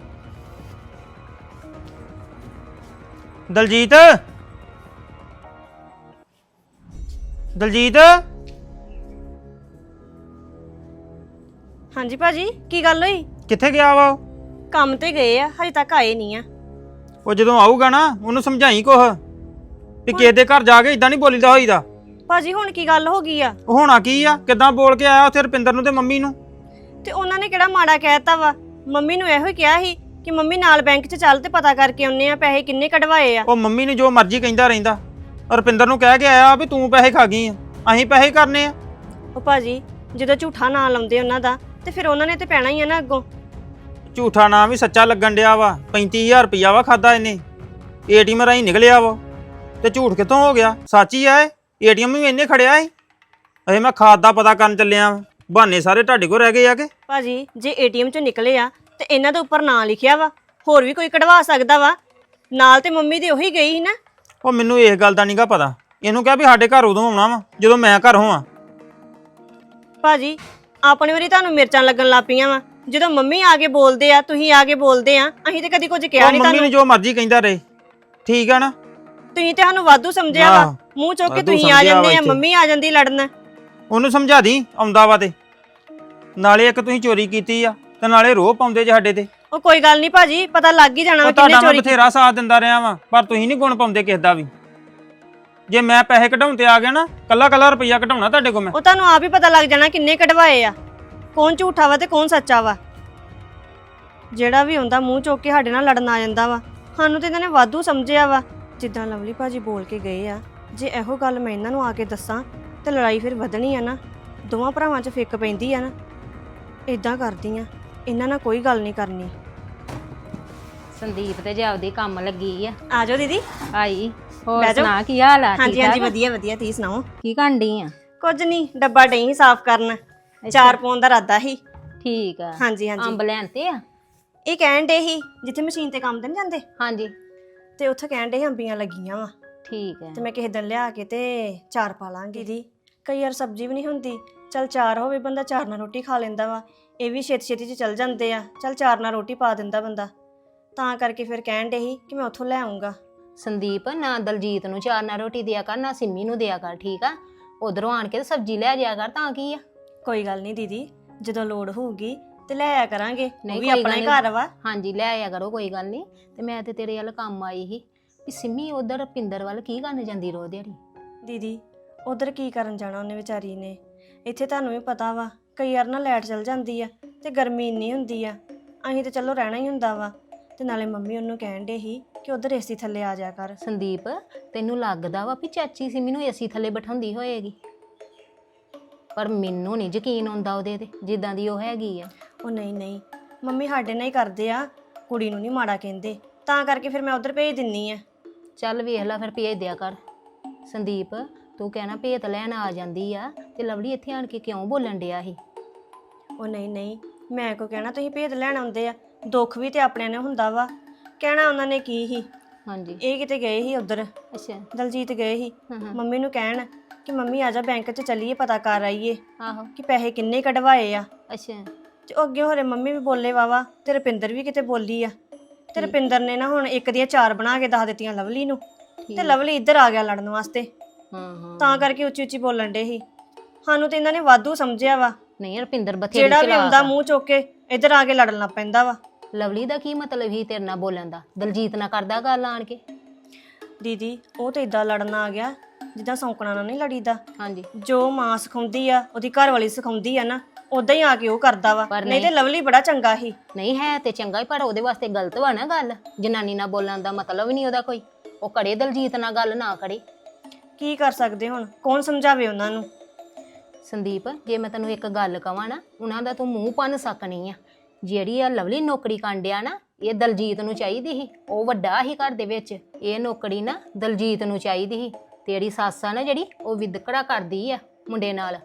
ਦਲਜੀਤ, ਦਲਜੀਤ
ਹਾਂਜੀ ਭਾਜੀ, ਕੀ ਗੱਲ ਹੋਈ?
ਕਿੱਥੇ ਗਿਆ ਵਾ ਉਹ?
ਕੰਮ ਤੇ ਗਏ ਆ, ਹਜੇ ਤੱਕ ਆਏ ਨਹੀਂ ਆ।
ਉਹ ਜਦੋਂ ਆਊਗਾ ਨਾ ਉਹਨੂੰ ਸਮਝਾਈ ਕੁਛ ਵੀ ਕਿਸੇ ਦੇ ਘਰ ਜਾ ਕੇ ਇਦਾਂ ਨਹੀਂ ਬੋਲੀਦਾ ਹੋਈਦਾ।
ਭਾਜੀ ਹੁਣ ਕੀ ਗੱਲ ਹੋ ਗਈ ਆ?
ਉਹ ਹੋਣਾ ਕੀ ਆ, ਕਿੱਦਾਂ ਬੋਲ ਕੇ ਆਇਆ ਉੱਥੇ ਰੁਪਿੰਦਰ ਨੂੰ ਤੇ ਮੰਮੀ ਨੂੰ।
ਤੇ ਉਹਨਾਂ ਨੇ ਕਿਹੜਾ ਮਾੜਾ ਕਹਿਤਾ ਵਾ? ਮੰਮੀ ਨੂੰ ਇਹੋ ਹੀ ਕਿਹਾ ਸੀ ਕਿ ਮੰਮੀ ਨਾਲ ਬੈਂਕ 'ਚ ਚੱਲ ਤੇ ਪਤਾ ਕਰਕੇ ਆਉਨੇ ਆ ਪੈਸੇ ਕਿੰਨੇ ਕਢਵਾਏ ਆ।
ਉਹ ਮੰਮੀ ਨੂੰ ਜੋ ਮਰਜ਼ੀ ਕਹਿੰਦਾ ਰਹਿੰਦਾ, ਰੁਪਿੰਦਰ ਨੂੰ ਕਹਿ ਕੇ ਆਇਆ ਵੀ ਤੂੰ ਪੈਸੇ ਖਾ ਗਈ ਆ, ਅਸੀਂ ਪੈਸੇ ਕਰਨੇ ਆ।
ਉਹ ਭਾਜੀ ਜਦੋਂ ਝੂਠਾ ਨਾਂ ਲਾਉਂਦੇ ਉਹਨਾਂ ਦਾ ਤੇ ਫਿਰ ਉਹਨਾਂ ਨੇ ਤੇ ਪੈਣਾ ਹੀ ਆ ਨਾ ਅੱਗੋਂ।
ਝੂਠਾ ਨਾਮ ਵੀ ਸੱਚਾ ਲੱਗਣ ਡਿਆ ਵਾ। 35000 ਰੁਪਇਆ ਵਾ ਖਾਦਾ ਇਹਨੇ, ATM ਰਾਹੀਂ ਨਿਕਲਿਆ ਵਾ। ਤੇ ਝੂਠ ਕਿੱਥੋਂ ਹੋ ਗਿਆ, ਸੱਚ ਹੀ ਆ ਇਹ। ATM ਵੀ ਇਹਨੇ ਖੜਿਆ ਸੀ। ਅਜੇ ਮੈਂ ਖਾਦ ਦਾ ਪਤਾ ਕਰਨ ਚੱਲਿਆ ਵਾਂ, ਬਹਾਨੇ ਸਾਰੇ ਤੁਹਾਡੇ ਕੋਲ ਰਹਿ ਗਏ ਆ ਕਿ?
ਭਾਜੀ ਜੇ ATM 'ਚੋਂ ਨਿਕਲੇ ਆ ਤੇ ਇਹਨਾਂ ਦੇ ਉੱਪਰ ਨਾਂ ਲਿਖਿਆ ਵਾ, ਹੋਰ ਵੀ ਕੋਈ ਕਢਵਾ ਸਕਦਾ ਵਾ। ਨਾਲ ਤੇ ਮੰਮੀ ਦੇ ਉਹੀ ਗਈ ਸੀ ਨਾ।
ਉਹ ਮੈਨੂੰ ਇਸ ਗੱਲ ਦਾ ਨਹੀਂਗਾ ਪਤਾ। ਇਹਨੂੰ ਕਿਹਾ ਵੀ ਸਾਡੇ ਘਰ ਉਦੋਂ ਆਉਣਾ ਵਾ ਜਦੋਂ ਮੈਂ ਘਰ ਹੋਵਾਂ।
ਭਾਜੀ ਆਪਣੇ ਵਾਰੀ ਤੁਹਾਨੂੰ ਮਿਰਚਾਂ ਲੱਗਣ ਲੱਗ ਪਈਆਂ ਵਾ। ਜਦੋਂ ਮੰਮੀ ਆ ਕੇ ਬੋਲਦੇ ਆ, ਤੁਸੀਂ ਆ ਕੇ ਬੋਲਦੇ ਆ, ਅਸੀਂ ਤੇ ਕਦੀ ਕੁਝ ਕਿਹਾ
ਉਹ
ਨਹੀਂ
ਮੰਮੀ
ਤੁਹਾਨੂੰ।
ਨੂੰ ਜੋ ਮਰਜ਼ੀ ਕਹਿੰਦਾ ਰਹੇ, ਠੀਕ ਆ ਨਾ।
ਤੁਸੀਂ ਤੇ ਸਾਨੂੰ ਵਾਧੂ ਸਮਝਿਆ ਵਾ,
ਆਹ,
ਮੂੰਹ ਚੁੱਕ ਕੇ
ਵਾਧੂ
ਤੁਸੀਂ ਆ
ਸਮਝਿਆ
ਜਾਂਦੇ
ਵਾ
ਆ,
ਇੱਥੇ।
ਮੰਮੀ ਆ ਜਾਂਦੀ ਲੜਨ।
ਉਹਨੂੰ ਸਮਝਾ ਦੀ ਆਉਂਦਾ ਵਾ ਤੇ। ਨਾਲੇ ਇੱਕ ਤੁਸੀਂ ਚੋਰੀ ਕੀਤੀ ਆ ਤੇ ਨਾਲੇ ਰੋਹ ਪਾਉਂਦੇ ਜੇ ਸਾਡੇ ਤੇ।
ਉਹ ਕੋਈ ਗੱਲ ਨਹੀਂ ਭਾਜੀ, ਪਤਾ ਲੱਗ ਹੀ ਜਾਣਾ ਵਾ
ਉਹ
ਕਿੰਨੇ
ਤੁਹਾਡਾ ਮੈਂ
ਚੋਰੀ।
ਬਥੇਰਾ ਸਾਥ ਦਿੰਦਾ ਰਿਹਾ ਵਾਂ, ਪਰ ਤੁਸੀਂ ਨਹੀਂ ਗੁਣ ਪਾਉਂਦੇ ਕਿਸੇ ਦਾ ਵੀ। ਜੇ ਮੈਂ ਪੈਸੇ ਕਢਾਉਣ ਤੇ ਆ ਗਿਆ ਨਾ, ਕੱਲਾ ਕੱਲਾ ਰੁਪਈਆ ਕਢਾਉਣਾ ਤੁਹਾਡੇ ਕੋਲ ਮੈਂ।
ਉਹ ਤੁਹਾਨੂੰ ਆਪ ਹੀ ਪਤਾ ਲੱਗ ਜਾਣਾ ਕਿੰਨੇ ਕਢਵਾਏ ਆ, ਕੌਣ ਝੂਠਾ ਵਾ ਤੇ ਕੌਣ ਸੱਚਾ ਵਾ। ਜਿਹੜਾ ਵੀ ਹੁੰਦਾ ਮੂੰਹ ਚੁੱਕ ਕੇ ਸਾਡੇ ਨਾਲ ਲੜਨ ਆ ਜਾਂਦਾ ਵਾ। ਸਾਨੂੰ ਤੇ ਇਹਨਾਂ ਨੇ ਵਾਧੂ ਸਮਝਿਆ ਵਾ। ਜਿੱਦਾਂ ਲਵਲੀ ਭਾਜੀ ਬੋਲ ਕੇ ਗਏ ਆ, ਜੇ ਇਹੋ ਗੱਲ ਮੈਂ ਇਹਨਾਂ ਨੂੰ ਆ ਕੇ ਦੱਸਾਂ ਤੇ ਲੜਾਈ ਫਿਰ ਵਧਣੀ ਆ ਨਾ। ਦੋਵਾਂ ਭਰਾਵਾਂ 'ਚ ਫਿੱਕ ਪੈਂਦੀ ਆ ਨਾ। ਇਦਾਂ ਕਰਦੀ ਆ, ਇਹਨਾਂ ਨਾਲ ਕੋਈ ਗੱਲ ਨਹੀਂ ਕਰਨੀ।
ਸੰਦੀਪ ਤੇ ਜਾਪਦੀ ਕੰਮ ਲੱਗੀ ਆ।
ਆ ਜਾਓ ਦੀਦੀ।
ਆਈ ਹੋਰ
ਬਹਿ ਜਾਓ।
ਸੁਣਾ ਕੀ ਹਾਲ ਆ?
ਹਾਂਜੀ
ਠੀਕ
ਹਾਂਜੀ
ਠਾਕ?
ਵਧੀਆ ਵਧੀਆ, ਤੁਸੀਂ ਸੁਣਾਓ?
ਕੀ ਕਰਨ ਡਈ ਆ?
ਕੁਝ ਨਹੀਂ, ਡੱਬਾ ਡਈ ਸੀ ਸਾਫ਼ ਕਰਨ। 4 ਪੌਂਡ ਦਾ ਇਰਾਦਾ ਸੀ।
ਠੀਕ ਆ।
ਹਾਂਜੀ ਹਾਂਜੀ।
ਅੰਬ ਲੈਣ ਤੇ ਆ?
ਇਹ ਕਹਿਣ ਡੇ ਸੀ ਜਿੱਥੇ ਮਸ਼ੀਨ ਤੇ ਕੰਮ ਤੇ ਨਹੀਂ ਜਾਂਦੇ,
ਹਾਂਜੀ
ਤੇ ਉੱਥੇ ਕਹਿਣ ਡੇ ਅੰਬੀਆਂ ਲੱਗੀਆਂ ਵਾ,
ਠੀਕ ਆ।
ਤੇ ਮੈਂ ਕਿਸੇ ਦਿਨ ਲਿਆ ਕੇ ਤੇ 4 ਪਾ ਲਾਂਗੀ। ਦੀ ਕਈ ਵਾਰ ਸਬਜ਼ੀ ਵੀ ਨਹੀਂ ਹੁੰਦੀ, ਚਲ 4 ਹੋਵੇ, ਬੰਦਾ 4 ਨਾਲ ਰੋਟੀ ਖਾ ਲੈਂਦਾ ਵਾ। ਇਹ ਵੀ ਛੇਤੀ ਛੇਤੀ 'ਚ ਚੱਲ ਜਾਂਦੇ ਆ, ਚਲ 4 ਨਾਲ ਰੋਟੀ ਪਾ ਦਿੰਦਾ ਬੰਦਾ। ਤਾਂ ਕਰਕੇ ਫਿਰ ਕਹਿਣ ਡੇ ਸੀ ਕਿ ਮੈਂ ਉੱਥੋਂ ਲੈ ਆਉਂਗਾ।
ਸੰਦੀਪ ਨਾ ਦਲਜੀਤ ਨੂੰ ਚਾਰ ਨਾਲ ਰੋਟੀ ਦਿਆ ਕਰ, ਨਾ ਸਿੰਮੀ ਨੂੰ ਦਿਆ ਕਰ, ਠੀਕ ਆ? ਉਧਰੋਂ ਆਣ ਕੇ ਤੇ ਸਬਜ਼ੀ ਲੈ ਜਾਇਆ ਕਰ, ਤਾਂ ਕੀ ਆ।
ਕੋਈ ਗੱਲ ਨਹੀਂ ਦੀਦੀ, ਜਦੋਂ ਲੋੜ ਹੋਊਗੀ ਤੇ ਲੈ ਆਇਆ ਕਰਾਂਗੇ,
ਨਹੀਂ,
ਉਹ ਵੀ
ਕੋਈ
ਆਪਣਾ
ਗੱਲ
ਹੀ
ਨਹੀਂ।
ਘਰ ਵਾ।
ਹਾਂਜੀ ਲੈ ਆਇਆ ਕਰੋ, ਕੋਈ ਗੱਲ ਨਹੀਂ। ਤੇ ਮੈਂ ਤੇ ਤੇਰੇ ਵੱਲ ਕੰਮ ਆਈ ਸੀ ਵੀ ਸਿੰਮੀ ਉਧਰ ਪਿੰਦਰ ਵੱਲ ਕੀ ਕਰਨ ਜਾਂਦੀ ਰੋ ਦਿਹਾੜੀ।
ਦੀਦੀ ਉਧਰ ਕੀ ਕਰਨ ਜਾਣਾ ਉਹਨੇ ਵਿਚਾਰੀ ਨੇ, ਇੱਥੇ ਤੁਹਾਨੂੰ ਵੀ ਪਤਾ ਵਾ ਕਈ ਵਾਰ ਨਾ ਲਾਈਟ ਚਲ ਜਾਂਦੀ ਆ ਤੇ ਗਰਮੀ ਇੰਨੀ ਹੁੰਦੀ ਆ, ਅਸੀਂ ਤੇ ਚਲੋ ਰਹਿਣਾ ਹੀ ਹੁੰਦਾ ਵਾ। ਤੇ ਨਾਲੇ ਮੰਮੀ ਉਹਨੂੰ ਕਹਿਣ ਡੇ ਸੀ ਕਿ ਉਧਰ ਏਸੀ ਥੱਲੇ ਆ ਜਾ ਕਰ।
ਸੰਦੀਪ ਤੈਨੂੰ ਲੱਗਦਾ ਵਾ ਵੀ ਚਾਚੀ ਸਿੰਮੀ ਨੂੰ ਏਸੀ ਥੱਲੇ ਬਿਠਾਉਂਦੀ ਹੋਏਗੀ, ਪਰ ਮੈਨੂੰ ਨਹੀਂ ਯਕੀਨ ਆਉਂਦਾ ਉਹਦੇ ਤੇ ਜਿੱਦਾਂ ਦੀ ਉਹ ਹੈਗੀ ਆ।
ਉਹ ਨਹੀਂ ਨਹੀਂ, ਮੰਮੀ ਸਾਡੇ ਨਾਲ ਹੀ ਕਰਦੇ ਆ, ਕੁੜੀ ਨੂੰ ਨਹੀਂ ਮਾੜਾ ਕਹਿੰਦੇ, ਤਾਂ ਕਰਕੇ ਫਿਰ ਮੈਂ ਉਧਰ ਭੇਜ ਦਿੰਨੀ ਆ।
ਚੱਲ ਵੇਖ ਲੈ ਫਿਰ ਭੇਜ ਦਿਆ ਕਰ। ਸੰਦੀਪ ਤੂੰ ਕਹਿਣਾ ਭੇਤ ਲੈਣ ਆ ਜਾਂਦੀ ਆ ਤੇ ਲਵਲੀ ਇੱਥੇ ਆਣ ਕੇ ਕਿਉਂ ਬੋਲਣ ਡਿਆ ਸੀ?
ਉਹ ਨਹੀਂ ਨਹੀਂ, ਮੈਂ ਕੋ ਕਹਿਣਾ ਤੁਸੀਂ ਭੇਜ ਲੈਣ ਆਉਂਦੇ ਆ, ਦੁੱਖ ਵੀ ਤੇ ਆਪਣਿਆਂ ਨੇ ਹੁੰਦਾ ਵਾ। ਕਹਿਣਾ ਉਹਨਾਂ ਨੇ ਕੀ ਸੀ,
ਹਾਂਜੀ
ਇਹ ਕਿਤੇ ਗਏ ਸੀ ਉਧਰ,
ਅੱਛਾ।
ਦਲਜੀਤ ਗਏ ਸੀ
ਹਾਂ ਹਾਂ
ਮੰਮੀ ਨੂੰ ਕਹਿਣ ਕਿ ਮੰਮੀ ਆ ਜਾ ਬੈਂਕ 'ਚ ਚੱਲੀਏ, ਪਤਾ ਕਰ ਆਈਏ
ਆਹੋ
ਕਿ ਪੈਸੇ ਕਿੰਨੇ ਕਢਵਾਏ ਆ।
ਅੱਛਾ
ਤੇ ਉਹ ਅੱਗੇ ਹੋਰੇ ਮੰਮੀ ਵੀ ਬੋਲੇ ਵਾਵਾ, ਤੇ ਰੁਪਿੰਦਰ ਵੀ ਕਿਤੇ ਬੋਲੀ ਆ। ਤੇ ਰੁਪਿੰਦਰ ਨੇ ਨਾ ਹੁਣ ਇੱਕ ਦੀਆਂ 4 ਬਣਾ ਕੇ ਦੱਸ ਦਿੱਤੀਆਂ ਲਵਲੀ ਨੂੰ, ਤੇ ਲਵਲੀ ਇੱਧਰ ਆ ਗਿਆ ਲੜਨ ਵਾਸਤੇ,
ਹਾਂ ਹਾਂ।
ਤਾਂ ਕਰਕੇ ਉੱਚੀ ਉੱਚੀ ਬੋਲਣ ਡੇ ਸੀ। ਸਾਨੂੰ ਤੇ ਇਹਨਾਂ ਨੇ ਵਾਧੂ ਸਮਝਿਆ ਵਾ,
ਨਹੀਂ ਰੁਪਿੰਦਰ ਬਥੇਰੀ
ਜਿਹੜਾ ਵੀ
ਚਲਾਕ
ਆਉਂਦਾ
ਆ।
ਮੂੰਹ ਚੁੱਕ ਕੇ ਇੱਧਰ ਆ ਕੇ ਲੜਨ ਲੱਗ ਪੈਂਦਾ ਵਾ।
ਲਵਲੀ ਦਾ ਕੀ ਮਤਲਬ ਹੀ ਤੇਰੇ ਨਾਲ ਬੋਲਣ ਦਾ? ਦਲਜੀਤ ਨਾਲ ਕਰਦਾ ਗੱਲ ਆਣ ਕੇ?
ਦੀਦੀ ਉਹ ਤੇ ਇਦਾਂ ਲੜਨ ਆ ਗਿਆ ਜਿੱਦਾਂ ਸੌਂਕਣਾ ਨਾਲ ਨਹੀਂ ਲੜੀਦਾ।
ਹਾਂਜੀ
ਜੋ ਮਾਂ ਸਿਖਾਉਂਦੀ ਆ, ਉਹਦੀ ਘਰ ਵਾਲੀ ਸਿਖਾਉਂਦੀ ਆ ਨਾ, ਉਦਾਂ ਹੀ ਆ ਕੇ ਉਹ ਕਰਦਾ ਵਾ।
ਪਰ
ਨਹੀਂ ਤੇ ਲਵਲੀ ਬੜਾ ਚੰਗਾ ਸੀ।
ਨਹੀਂ ਹੈ ਤੇ ਚੰਗਾ ਹੀ, ਪਰ ਉਹਦੇ ਵਾਸਤੇ ਗਲਤ ਵਾ ਨਾ ਗੱਲ। ਜਨਾਨੀ ਨਾਲ ਬੋਲਣ ਦਾ ਮਤਲਬ ਹੀ ਨਹੀਂ ਉਹਦਾ ਕੋਈ। ਉਹ ਕੜੇ ਦਲਜੀਤ ਨਾਲ ਗੱਲ ਨਾ ਕਰੇ।
ਕੀ ਕਰ ਸਕਦੇ ਹੁਣ, ਕੌਣ ਸਮਝਾਵੇ ਉਹਨਾਂ ਨੂੰ।
ਸੰਦੀਪ ਜੇ ਮੈਂ ਤੈਨੂੰ ਇੱਕ ਗੱਲ ਕਵਾਂ ਨਾ, ਉਹਨਾਂ ਦਾ ਤੂੰ ਮੂੰਹ ਭੰਨ ਸਕਣੀ ਆ। ਜਿਹੜੀ ਆ ਲਵਲੀ ਨੌਕਰੀ ਕਾਂਡਿਆ ਨਾ, ਇਹ ਦਲਜੀਤ ਨੂੰ ਚਾਹੀਦੀ ਸੀ। ਉਹ ਵੱਡਾ ਹੀ ਘਰ ਦੇ ਵਿੱਚ, ਇਹ ਨੌਕਰੀ ਨਾ ਦਲਜੀਤ ਨੂੰ ਚਾਹੀਦੀ ਸੀ। ਤੇਰੀ ਸੱਸ ਆ ਨਾ ਜਿਹੜੀ, ਉਹ ਵਿਦਕੜਾ ਕਰਦੀ ਆ ਮੁੰਡੇ ਨਾਲ।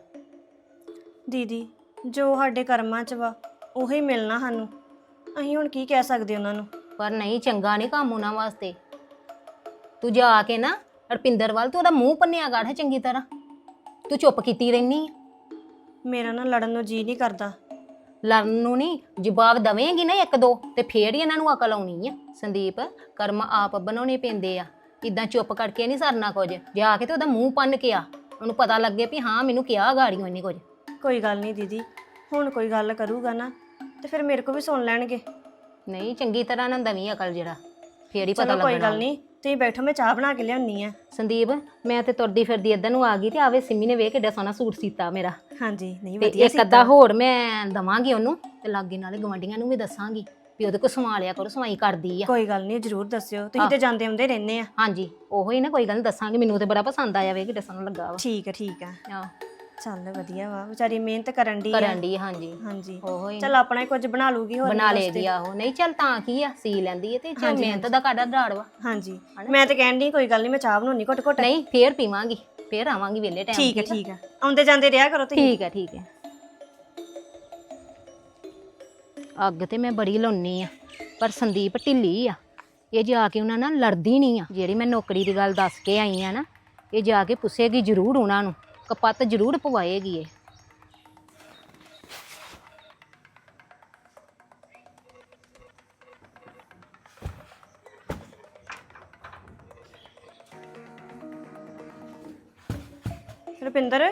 ਦੀਦੀ ਜੋ ਸਾਡੇ ਕਰਮਾਂ 'ਚ ਵਾ ਉਹੀ ਮਿਲਣਾ ਸਾਨੂੰ, ਅਸੀਂ ਹੁਣ ਕੀ ਕਹਿ ਸਕਦੇ ਉਹਨਾਂ ਨੂੰ।
ਪਰ ਨਹੀਂ, ਚੰਗਾ ਨਹੀਂ ਕੰਮ ਉਹਨਾਂ ਵਾਸਤੇ। ਤੂੰ ਜਾ ਕੇ ਨਾ ਰੁਪਿੰਦਰ ਵੱਲ ਤੂੰ ਉਹਦਾ ਮੂੰਹ ਭੰਨਿਆ ਕਰ ਚੰਗੀ ਤਰ੍ਹਾਂ। ਤੂੰ ਚੁੱਪ ਕੀਤੀ ਰਹਿਨੀ ਆ।
ਮੇਰਾ ਨਾ ਲੜਨ ਨੂੰ ਜੀ ਨਹੀਂ ਕਰਦਾ।
ਲੜਨ ਨੂੰ ਨਹੀਂ, ਜਵਾਬ ਦਵੇਂਗੀ ਨਾ ਇੱਕ ਦੋ ਤੇ ਫੇਰ ਹੀ ਇਹਨਾਂ ਨੂੰ ਅਕਲ ਆਉਣੀ ਆ। ਸੰਦੀਪ ਕਰਮ ਆਪ ਬਣਾਉਣੇ ਪੈਂਦੇ ਆ, ਇਦਾਂ ਚੁੱਪ ਕਰਕੇ ਨਹੀਂ ਸਰਨਾ ਕੁਝ। ਜਾ ਕੇ ਤੇ ਉਹਦਾ ਮੂੰਹ ਭੰਨ ਕੇ ਆ, ਉਹਨੂੰ ਪਤਾ ਲੱਗੇ ਵੀ ਹਾਂ ਮੈਨੂੰ ਕਿਹਾ ਗਾੜੀਆਂ ਇਹਨੇ ਕੁਝ।
ਕੋਈ ਗੱਲ ਨਹੀਂ ਦੀਦੀ, ਹੁਣ ਕੋਈ ਗੱਲ ਕਰੂਗਾ ਨਾ ਤੇ ਫਿਰ ਮੇਰੇ ਕੋ ਵੀ ਸੁਣ ਲੈਣਗੇ।
ਨਹੀਂ ਚੰਗੀ ਤਰ੍ਹਾਂ ਨਾ ਦਵੀਂ ਅਕਲ, ਜਿਹੜਾ ਫੇਰ ਹੀ ਪਤਾ
ਚਲੋ
ਲੱਗਣਾ।
ਕੋਈ ਗੱਲ ਨਹੀਂ, ਤੁਸੀਂ ਬੈਠੋ, ਮੈਂ ਚਾਹ ਬਣਾ ਕੇ ਲਿਆਉਣੀ ਆ।
ਸੰਦੀਪ ਮੈਂ ਤੇ ਤੁਰਦੀ ਫਿਰਦੀ ਇੱਧਰ ਨੂੰ ਆ ਗਈ ਤੇ ਆਵੇ ਸਿੰਮੀ ਨੇ ਵੇਖ ਕਿੱਡਾ ਸੋਹਣਾ ਸੂਟ ਸੀਤਾ ਮੇਰਾ।
ਹਾਂਜੀ ਨਹੀਂ
ਤੇ
ਵਧੀਆ
ਇੱਕ ਅੱਧਾ ਹੋਰ ਮੈਂ ਦਵਾਂਗੀ ਉਹਨੂੰ, ਤੇ ਲਾਗੇ ਨਾਲੇ ਗਵਾਂਢੀਆਂ ਨੂੰ ਵੀ ਦੱਸਾਂਗੀ ਵੀ ਉਹਦੇ ਕੋਲ ਸਵਾ ਲਿਆ ਕਰੋ, ਸਵਾਈ ਕਰਦੀ ਆ।
ਕੋਈ ਗੱਲ ਨਹੀਂ, ਜ਼ਰੂਰ ਦੱਸਿਓ, ਤੁਸੀਂ ਤੇ ਜਾਂਦੇ ਆਉਂਦੇ ਰਹਿੰਦੇ ਆ।
ਹਾਂਜੀ ਉਹੋ ਹੀ ਨਾ, ਕੋਈ ਗੱਲ ਨੀ ਦੱਸਾਂਗੀ। ਮੈਨੂੰ ਤੇ ਬੜਾ ਪਸੰਦ ਆਇਆ ਵੇ, ਕਿੱਡਾ ਸੋਹਣਾ ਲੱਗਾ ਵਾ।
ਠੀਕ ਆ ਠੀਕ ਆ,
ਆਹ
ਚੱਲ ਵਧੀਆ ਵਾ, ਵਿਚਾਰੀ ਮਿਹਨਤ ਕਰਨ ਦੀ ਆ।
ਕਰਨ ਦੀ ਹਾਂਜੀ
ਹਾਂਜੀ
ਉਹੋ ਹੀ
ਚੱਲ ਆਪਣਾ ਹੀ ਕੁਝ ਬਣਾ ਲੂਗੀ ਹੋਰ
ਬਣਾ
ਨਹੀਂ
ਲੇਗੀ ਆਹੋ। ਨਹੀਂ ਚੱਲ ਤਾਂ ਕੀ ਆ, ਸੀ ਲੈਂਦੀ ਹੈ ਤੇ ਚੱਲ ਮਿਹਨਤ ਦਾ ਕਾਡਾ ਦਾੜ ਵਾ।
ਹਾਂਜੀ ਮੈਂ ਤੇ ਕਹਿਣ ਦੀ ਕੋਈ ਗੱਲ ਨਹੀਂ, ਮੈਂ ਚਾਹ ਬਣਾਉਣੀ ਘੁੱਟ ਘੁੱਟ।
ਨਹੀਂ ਫੇਰ ਪੀਵਾਂਗੀ, ਫੇਰ ਆਵਾਂਗੀ ਵੇਲੇ ਟਾਈਮ।
ਠੀਕ ਹੈ ਠੀਕ ਆ, ਆਉਂਦੇ ਜਾਂਦੇ ਰਿਹਾ ਕਰੋ ਤੁਸੀਂ।
ਠੀਕ ਹੈ ਠੀਕ ਹੈ। ਅੱਗ ਤੇ ਮੈਂ ਬੜੀ ਲਾਉਣੀ ਆ, ਪਰ ਸੰਦੀਪ ਢਿੱਲੀ ਆ। ਇਹ ਜਾ ਕੇ ਉਹਨਾਂ ਨਾਲ ਲੜਦੀ ਨਹੀਂ ਆ। ਜਿਹੜੀ ਮੈਂ ਨੌਕਰੀ ਦੀ ਗੱਲ ਦੱਸ ਕੇ ਆਈ ਆ ਨਾ, ਇਹ ਜਾ ਕੇ ਪੁੱਛੇਗੀ ਜ਼ਰੂਰ ਉਹਨਾਂ ਨੂੰ, ਕਪੱਤ ਜ਼ਰੂਰ ਪਵਾਏਗੀ ਇਹ।
ਰੁਪਿੰਦਰ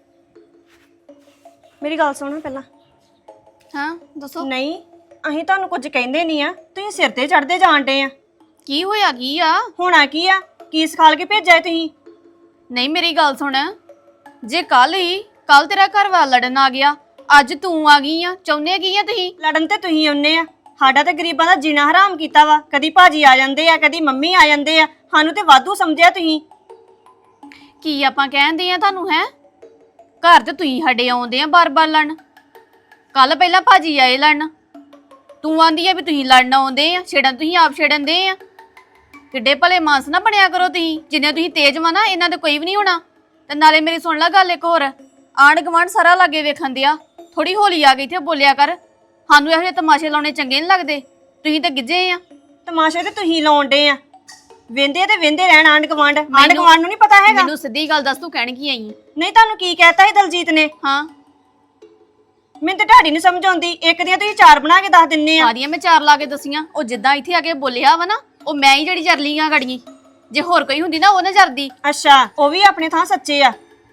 ਮੇਰੀ ਗੱਲ ਸੁਣੋ ਪਹਿਲਾਂ।
ਹਾਂ ਦੱਸੋ
ਨਹੀਂ ਅਸੀਂ ਤੁਹਾਨੂੰ ਕੁਝ ਕਹਿੰਦੇ ਨਹੀਂ ਆ, ਤੁਸੀਂ ਸਿਰ ਤੇ ਚੜਦੇ ਜਾਣਦੇ ਆ।
ਕੀ ਹੋਇਆ ਕੀ ਆ?
ਹੋਣਾ ਕੀ ਆ, ਕੀ ਸਿਖਾਲ ਕੇ ਭੇਜਿਆ ਏ ਤੁਸੀਂ?
ਨਹੀਂ ਮੇਰੀ ਗੱਲ ਸੁਣ, ਜੇ ਕੱਲ ਤੇਰਾ ਘਰ ਵਾਲਾ ਲੜਨ ਆ ਗਿਆ, ਅੱਜ ਤੂੰ ਆ ਗਈ ਆ, ਚਾਹੁੰਦੇ ਕੀ ਆ ਤੁਸੀਂ?
ਲੜਨ ਤੇ ਤੁਸੀਂ ਆਉਂਦੇ ਆ, ਸਾਡਾ ਤੇ ਗਰੀਬਾਂ ਦਾ ਜੀਣਾ ਹਰਾਮ ਕੀਤਾ ਵਾ। ਕਦੀ ਭਾਜੀ ਆ ਜਾਂਦੇ ਆ, ਕਦੀ ਮੰਮੀ ਆ ਜਾਂਦੇ ਆ, ਸਾਨੂੰ ਤੇ ਵਾਧੂ ਸਮਝਿਆ ਤੁਸੀਂ।
ਕੀ ਆਪਾਂ ਕਹਿੰਦੇ ਆ ਤੁਹਾਨੂੰ? ਹੈ ਘਰ ਤੇ ਤੁਸੀਂ ਸਾਡੇ ਆਉਂਦੇ ਆ ਬਾਰ-ਬਾਰ ਲੜਨ। ਕੱਲ ਪਹਿਲਾਂ ਭਾਜੀ ਆਏ ਲੜਨ, ਤੂੰ ਆਂਦੀ ਆ ਵੀ ਤੁਸੀਂ ਲੜਨ ਆਉਂਦੇ ਆ, ਛੇੜਨ ਤੁਸੀਂ ਆਪ ਛੇੜਨ ਦੇ ਆ। ਕਿੱਡੇ ਭਲੇ ਮਾਨਸ ਨਾ ਬਣਿਆ ਕਰੋ ਤੁਸੀਂ, ਜਿੰਨੇ ਤੁਸੀਂ ਤੇਜ਼ ਵਾ ਨਾ ਇਹਨਾਂ ਦੇ ਕੋਈ ਵੀ ਨਹੀਂ ਹੋਣਾ। ਤੇ ਨਾਲੇ ਮੇਰੀ ਸੁਣ ਲੈ ਗੱਲ ਇੱਕ ਹੋਰ, ਆਂਢ ਗੁਆਂਢ ਸਾਰਾ ਲਾਗੇ ਵੇਖਣ ਦਿਆ, ਥੋੜੀ ਹੋਲੀ ਆ ਗਈ ਇੱਥੇ ਬੋਲਿਆ ਕਰ। ਸਾਨੂੰ ਇਹੋ ਜਿਹੇ ਤਮਾਸ਼ੇ ਲਾਉਣੇ ਚੰਗੇ ਨਹੀਂ ਲੱਗਦੇ, ਤੁਸੀਂ ਤਾਂ ਗਿੱਜੇ ਆ।
ਤਮਾਸ਼ੇ ਤੇ ਤੁਸੀਂ ਲਾਉਂਦੇ ਆ, ਵੇਂਦੇ ਤੇ ਵੇਂਦੇ ਰਹਿਣ ਆਂਢ ਗੁਆਂਢ ਨੂੰ ਨਹੀਂ ਪਤਾ ਹੈਗਾ।
ਮੈਨੂੰ ਸਿੱਧੀ ਗੱਲ ਦੱਸ, ਤੂੰ ਕਹਿਣ ਕੀ ਆਈ?
ਨਹੀਂ ਤੁਹਾਨੂੰ ਕੀ ਕਹਿਤਾ ਸੀ ਦਲਜੀਤ ਨੇ?
ਹਾਂ
ਮੈਨੂੰ ਤੇ ਢਾਡੀ ਨਹੀਂ ਸਮਝ ਆਉਂਦੀ, ਇੱਕ ਦੀਆਂ ਤੁਸੀਂ 4 ਬਣਾ ਕੇ ਦੱਸ ਦਿੰਨੇ ਆ।
ਸਾਰੀਆਂ ਮੈਂ 4 ਲਾ ਕੇ ਦਸੀਆਂ। ਉਹ ਜਿੱਦਾਂ ਇੱਥੇ ਆ ਕੇ ਬੋਲਿਆ ਵਾ ਨਾ, ਉਹ ਮੈਂ ਹੀ ਜਿਹੜੀ ਜਰਲੀ ਆ ਗੜੀਆਂ। ਜੇ ਹੋਰ ਕੋਈ ਹੁੰਦੀ ਨਾ ਉਹ ਨਾ ਜਰਦੀ।
ਅੱਛਾ ਉਹ ਵੀ ਆਪਣੇ ਥਾਂ ਸੱਚੇ ਆ,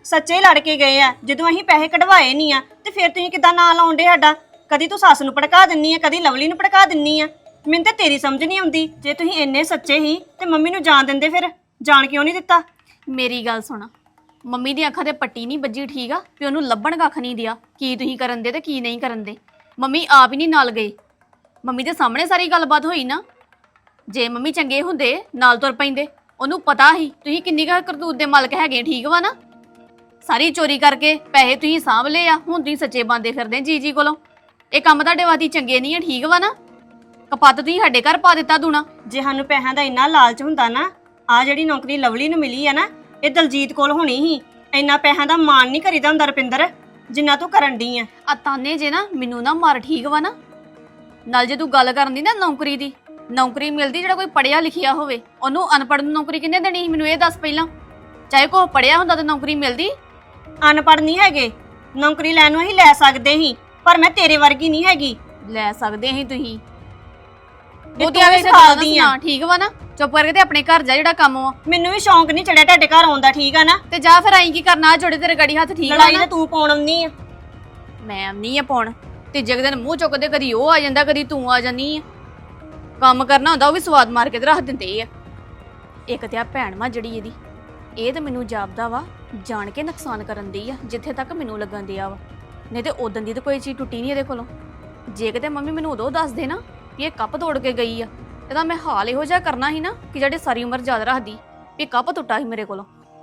ਸੱਚੇ ਲੜ ਕੇ ਗਏ ਆ। ਜਦੋਂ ਅਸੀਂ ਪੈਸੇ ਕਢਵਾਏ ਨਹੀਂ ਆ ਤੇ ਫਿਰ ਤੁਸੀਂ ਕਿੱਦਾਂ ਨਾਂ ਲਾਉਂਦੇ ਸਾਡਾ? ਕਦੀ ਤੂੰ ਸੱਸ ਨੂੰ ਭੜਕਾ ਦਿੰਨੀ ਆ, ਕਦੀ ਲਵਲੀ ਨੂੰ ਭੜਕਾ ਦਿੰਨੀ ਆ। ਮੈਨੂੰ ਤਾਂ ਤੇਰੀ ਸਮਝ ਨਹੀਂ ਆਉਂਦੀ। ਜੇ ਤੁਸੀਂ ਇੰਨੇ ਸੱਚੇ ਹੀ ਤੇ ਮੰਮੀ ਨੂੰ ਜਾਣ ਦਿੰਦੇ, ਫਿਰ ਜਾਣ ਕਿਉਂ ਨਹੀਂ ਦਿੱਤਾ?
ਮੇਰੀ ਗੱਲ ਸੁਣ, ਮੰਮੀ ਦੀ ਅੱਖਾਂ ਤੇ ਪੱਟੀ ਨਹੀਂ ਵੱਜੀ, ਠੀਕ ਆ? ਵੀ ਉਹਨੂੰ ਲੱਭਣ ਕੱਖ ਨਹੀਂ ਦਿਆ ਕੀ ਤੁਸੀਂ ਕਰਨ ਦੇ ਤੇ ਕੀ ਨਹੀਂ ਕਰਨ ਦੇ। ਮੰਮੀ ਆਪ ਹੀ ਨਹੀਂ ਨਾਲ ਗਏ। ਮੰਮੀ ਦੇ ਸਾਹਮਣੇ ਸਾਰੀ ਗੱਲਬਾਤ ਹੋਈ ਨਾ। ਜੇ ਮੰਮੀ ਚੰਗੇ ਹੁੰਦੇ ਨਾਲ ਤੁਰ ਪੈਂਦੇ। ਉਹਨੂੰ ਪਤਾ ਸੀ ਤੁਸੀਂ ਕਿੰਨੀ ਕੁ ਕਰਤੂਤ ਦੇ ਮਾਲਕ ਹੈਗੇ, ਠੀਕ ਵਾ ਨਾ? ਸਾਰੀ ਚੋਰੀ ਕਰਕੇ ਪੈਸੇ ਤੁਸੀਂ ਸਾਂਭ ਲਏ ਆ, ਹੁਣ ਤੁਸੀਂ ਸੱਚੇ ਬੰਦੇ ਫਿਰਦੇ ਜੀ ਕੋਲੋਂ। ਇਹ ਕੰਮ ਤੁਹਾਡੇ ਵਾਸਤੇ ਚੰਗੇ ਨਹੀਂ ਆ, ਠੀਕ ਵਾ ਨਾ? ਕਪੱਤ ਤੁਸੀਂ ਸਾਡੇ ਘਰ ਪਾ ਦਿੱਤਾ ਦੂਣਾ।
ਜੇ ਸਾਨੂੰ ਪੈਸਿਆਂ ਦਾ ਇੰਨਾ ਲਾਲਚ ਹੁੰਦਾ ਨਾ, ਆ ਜਿਹੜੀ ਨੌਕਰੀ ਲਵਲੀ ਨੂੰ ਮਿਲੀ ਆ ਨਾ, ਇਹ ਦਲਜੀਤ ਕੋਲ ਹੋਣੀ ਸੀ। ਇੰਨਾ ਪੈਸਿਆਂ ਦਾ ਮਾਣ ਨਹੀਂ ਕਰੀਦਾ ਹੁੰਦਾ ਰੁਪਿੰਦਰ, ਜਿੰਨਾ ਤੂੰ ਕਰਨ ਡਈ ਆ।
ਆ ਤਾਨੇ ਜੇ ਨਾ ਮੈਨੂੰ ਨਾ ਮਾਰ, ਠੀਕ ਵਾ ਨਾ? ਨਾਲ ਜੇ ਤੂੰ ਗੱਲ ਕਰਨ ਦੀ ਨਾ ਨੌਕਰੀ ਦੀ, ਨੌਕਰੀ ਮਿਲਦੀ ਜਿਹੜਾ ਕੋਈ ਪੜਿਆ ਲਿਖਿਆ ਹੋਵੇ। ਉਹਨੂੰ ਅਨਪੜ੍ਹ ਨੂੰ ਨੌਕਰੀ ਕਿੰਨੇ ਦੇਣੀ ਸੀ? ਮੈਨੂੰ ਇਹ ਦੱਸ ਪਹਿਲਾਂ। ਚਾਹੇ ਕੋਈ ਪੜਿਆ ਹੁੰਦਾ ਤਾਂ ਨੌਕਰੀ ਮਿਲਦੀ।
ਅਨਪੜ੍ਹ ਨਹੀਂ ਹੈਗੇ, ਨੌਕਰੀ ਲੈਣ ਨੂੰ ਅਸੀਂ ਲੈ ਸਕਦੇ ਸੀ, ਪਰ ਮੈਂ ਤੇਰੇ ਵਰਗੀ ਨਹੀਂ ਹੈਗੀ।
ਲੈ ਸਕਦੇ ਸੀ ਤੁਸੀਂ।
ਤੂੰ
ਉਹਦੀਆਂ
ਵੀ
ਵੀ
ਸਿਖਾਉਂਦੀ ਆ।
ਠੀਕ ਵਾ ਨਾ? ਚੁੱਪ ਕਰਕੇ ਤੇ ਆਪਣੇ ਘਰ ਜਾ, ਜਿਹੜਾ ਕੰਮ ਵਾ।
ਮੈਨੂੰ ਵੀ ਸ਼ੌਂਕ ਨਹੀਂ ਚੜਿਆ ਤੁਹਾਡੇ ਘਰ ਆਉਣ ਦਾ, ਠੀਕ ਆ ਨਾ?
ਤੇ ਜਾ ਫਿਰ ਆਈ ਕੀ ਕਰਨਾ? ਜੋੜੇ ਤੇਰੇ ਗੜੀ ਹੱਥ, ਠੀਕ ਵਾ
ਲੜਾਈ
ਨਾ?
ਤਾਂ ਤੂੰ ਪਾਉਣ ਆਉਂਦੀ ਆ।
ਮੈਂ ਨਹੀਂ ਆ ਪਾਉਣ। ਤੀਜੇ ਕੁ ਦਿਨ ਮੂੰਹ ਚੁੱਕਦੇ, ਕਦੀ ਉਹ ਆ ਜਾਂਦਾ ਕਦੀ ਤੂੰ ਆ ਜਾਂਦੀ ਆ। ਕੰਮ ਕਰਨਾ ਹੁੰਦਾ ਉਹ ਵੀ ਸਵਾਦ ਮਾਰ ਕੇ ਤੇ ਰੱਖ ਦਿੰਦੇ ਆ। ਇੱਕ ਤੇ ਆ ਭੈਣ ਵਾ ਜਿਹੜੀ ਇਹਦੀ, ਇਹ ਤਾਂ ਮੈਨੂੰ ਜਾਪਦਾ ਵਾ ਜਾਣ ਕੇ ਨੁਕਸਾਨ ਕਰਨ ਦੀ ਆ, ਜਿੱਥੇ ਤੱਕ ਮੈਨੂੰ ਲੱਗਣ ਦਿਆ ਵਾ। ਨਹੀਂ ਤੇ ਉਦੋਂ ਦੀ ਤਾਂ ਕੋਈ ਚੀਜ਼ ਟੁੱਟੀ ਨਹੀਂ ਇਹਦੇ ਕੋਲੋਂ। ਜੇ ਕਿਤੇ ਮੰਮੀ ਮੈਨੂੰ ਉਦੋਂ ਦੱਸ ਦੇ ਨਾ ਵੀ ਇਹ ਕੱਪ ਤੋੜ ਕੇ ਗਈ ਆ, ਇਹਦਾ ਮੈਂ ਹਾਲ ਇਹੋ ਜਿਹਾ ਕਰਨਾ ਸੀ ਨਾ ਕਿ ਜਿਹੜੇ ਸਾਰੀ ਉਮਰ ਯਾਦ ਰੱਖਦੀ ਵੀ ਕੱਪ ਟੁੱਟਾ ਸੀ ਮੇਰੇ ਕੋਲੋਂ।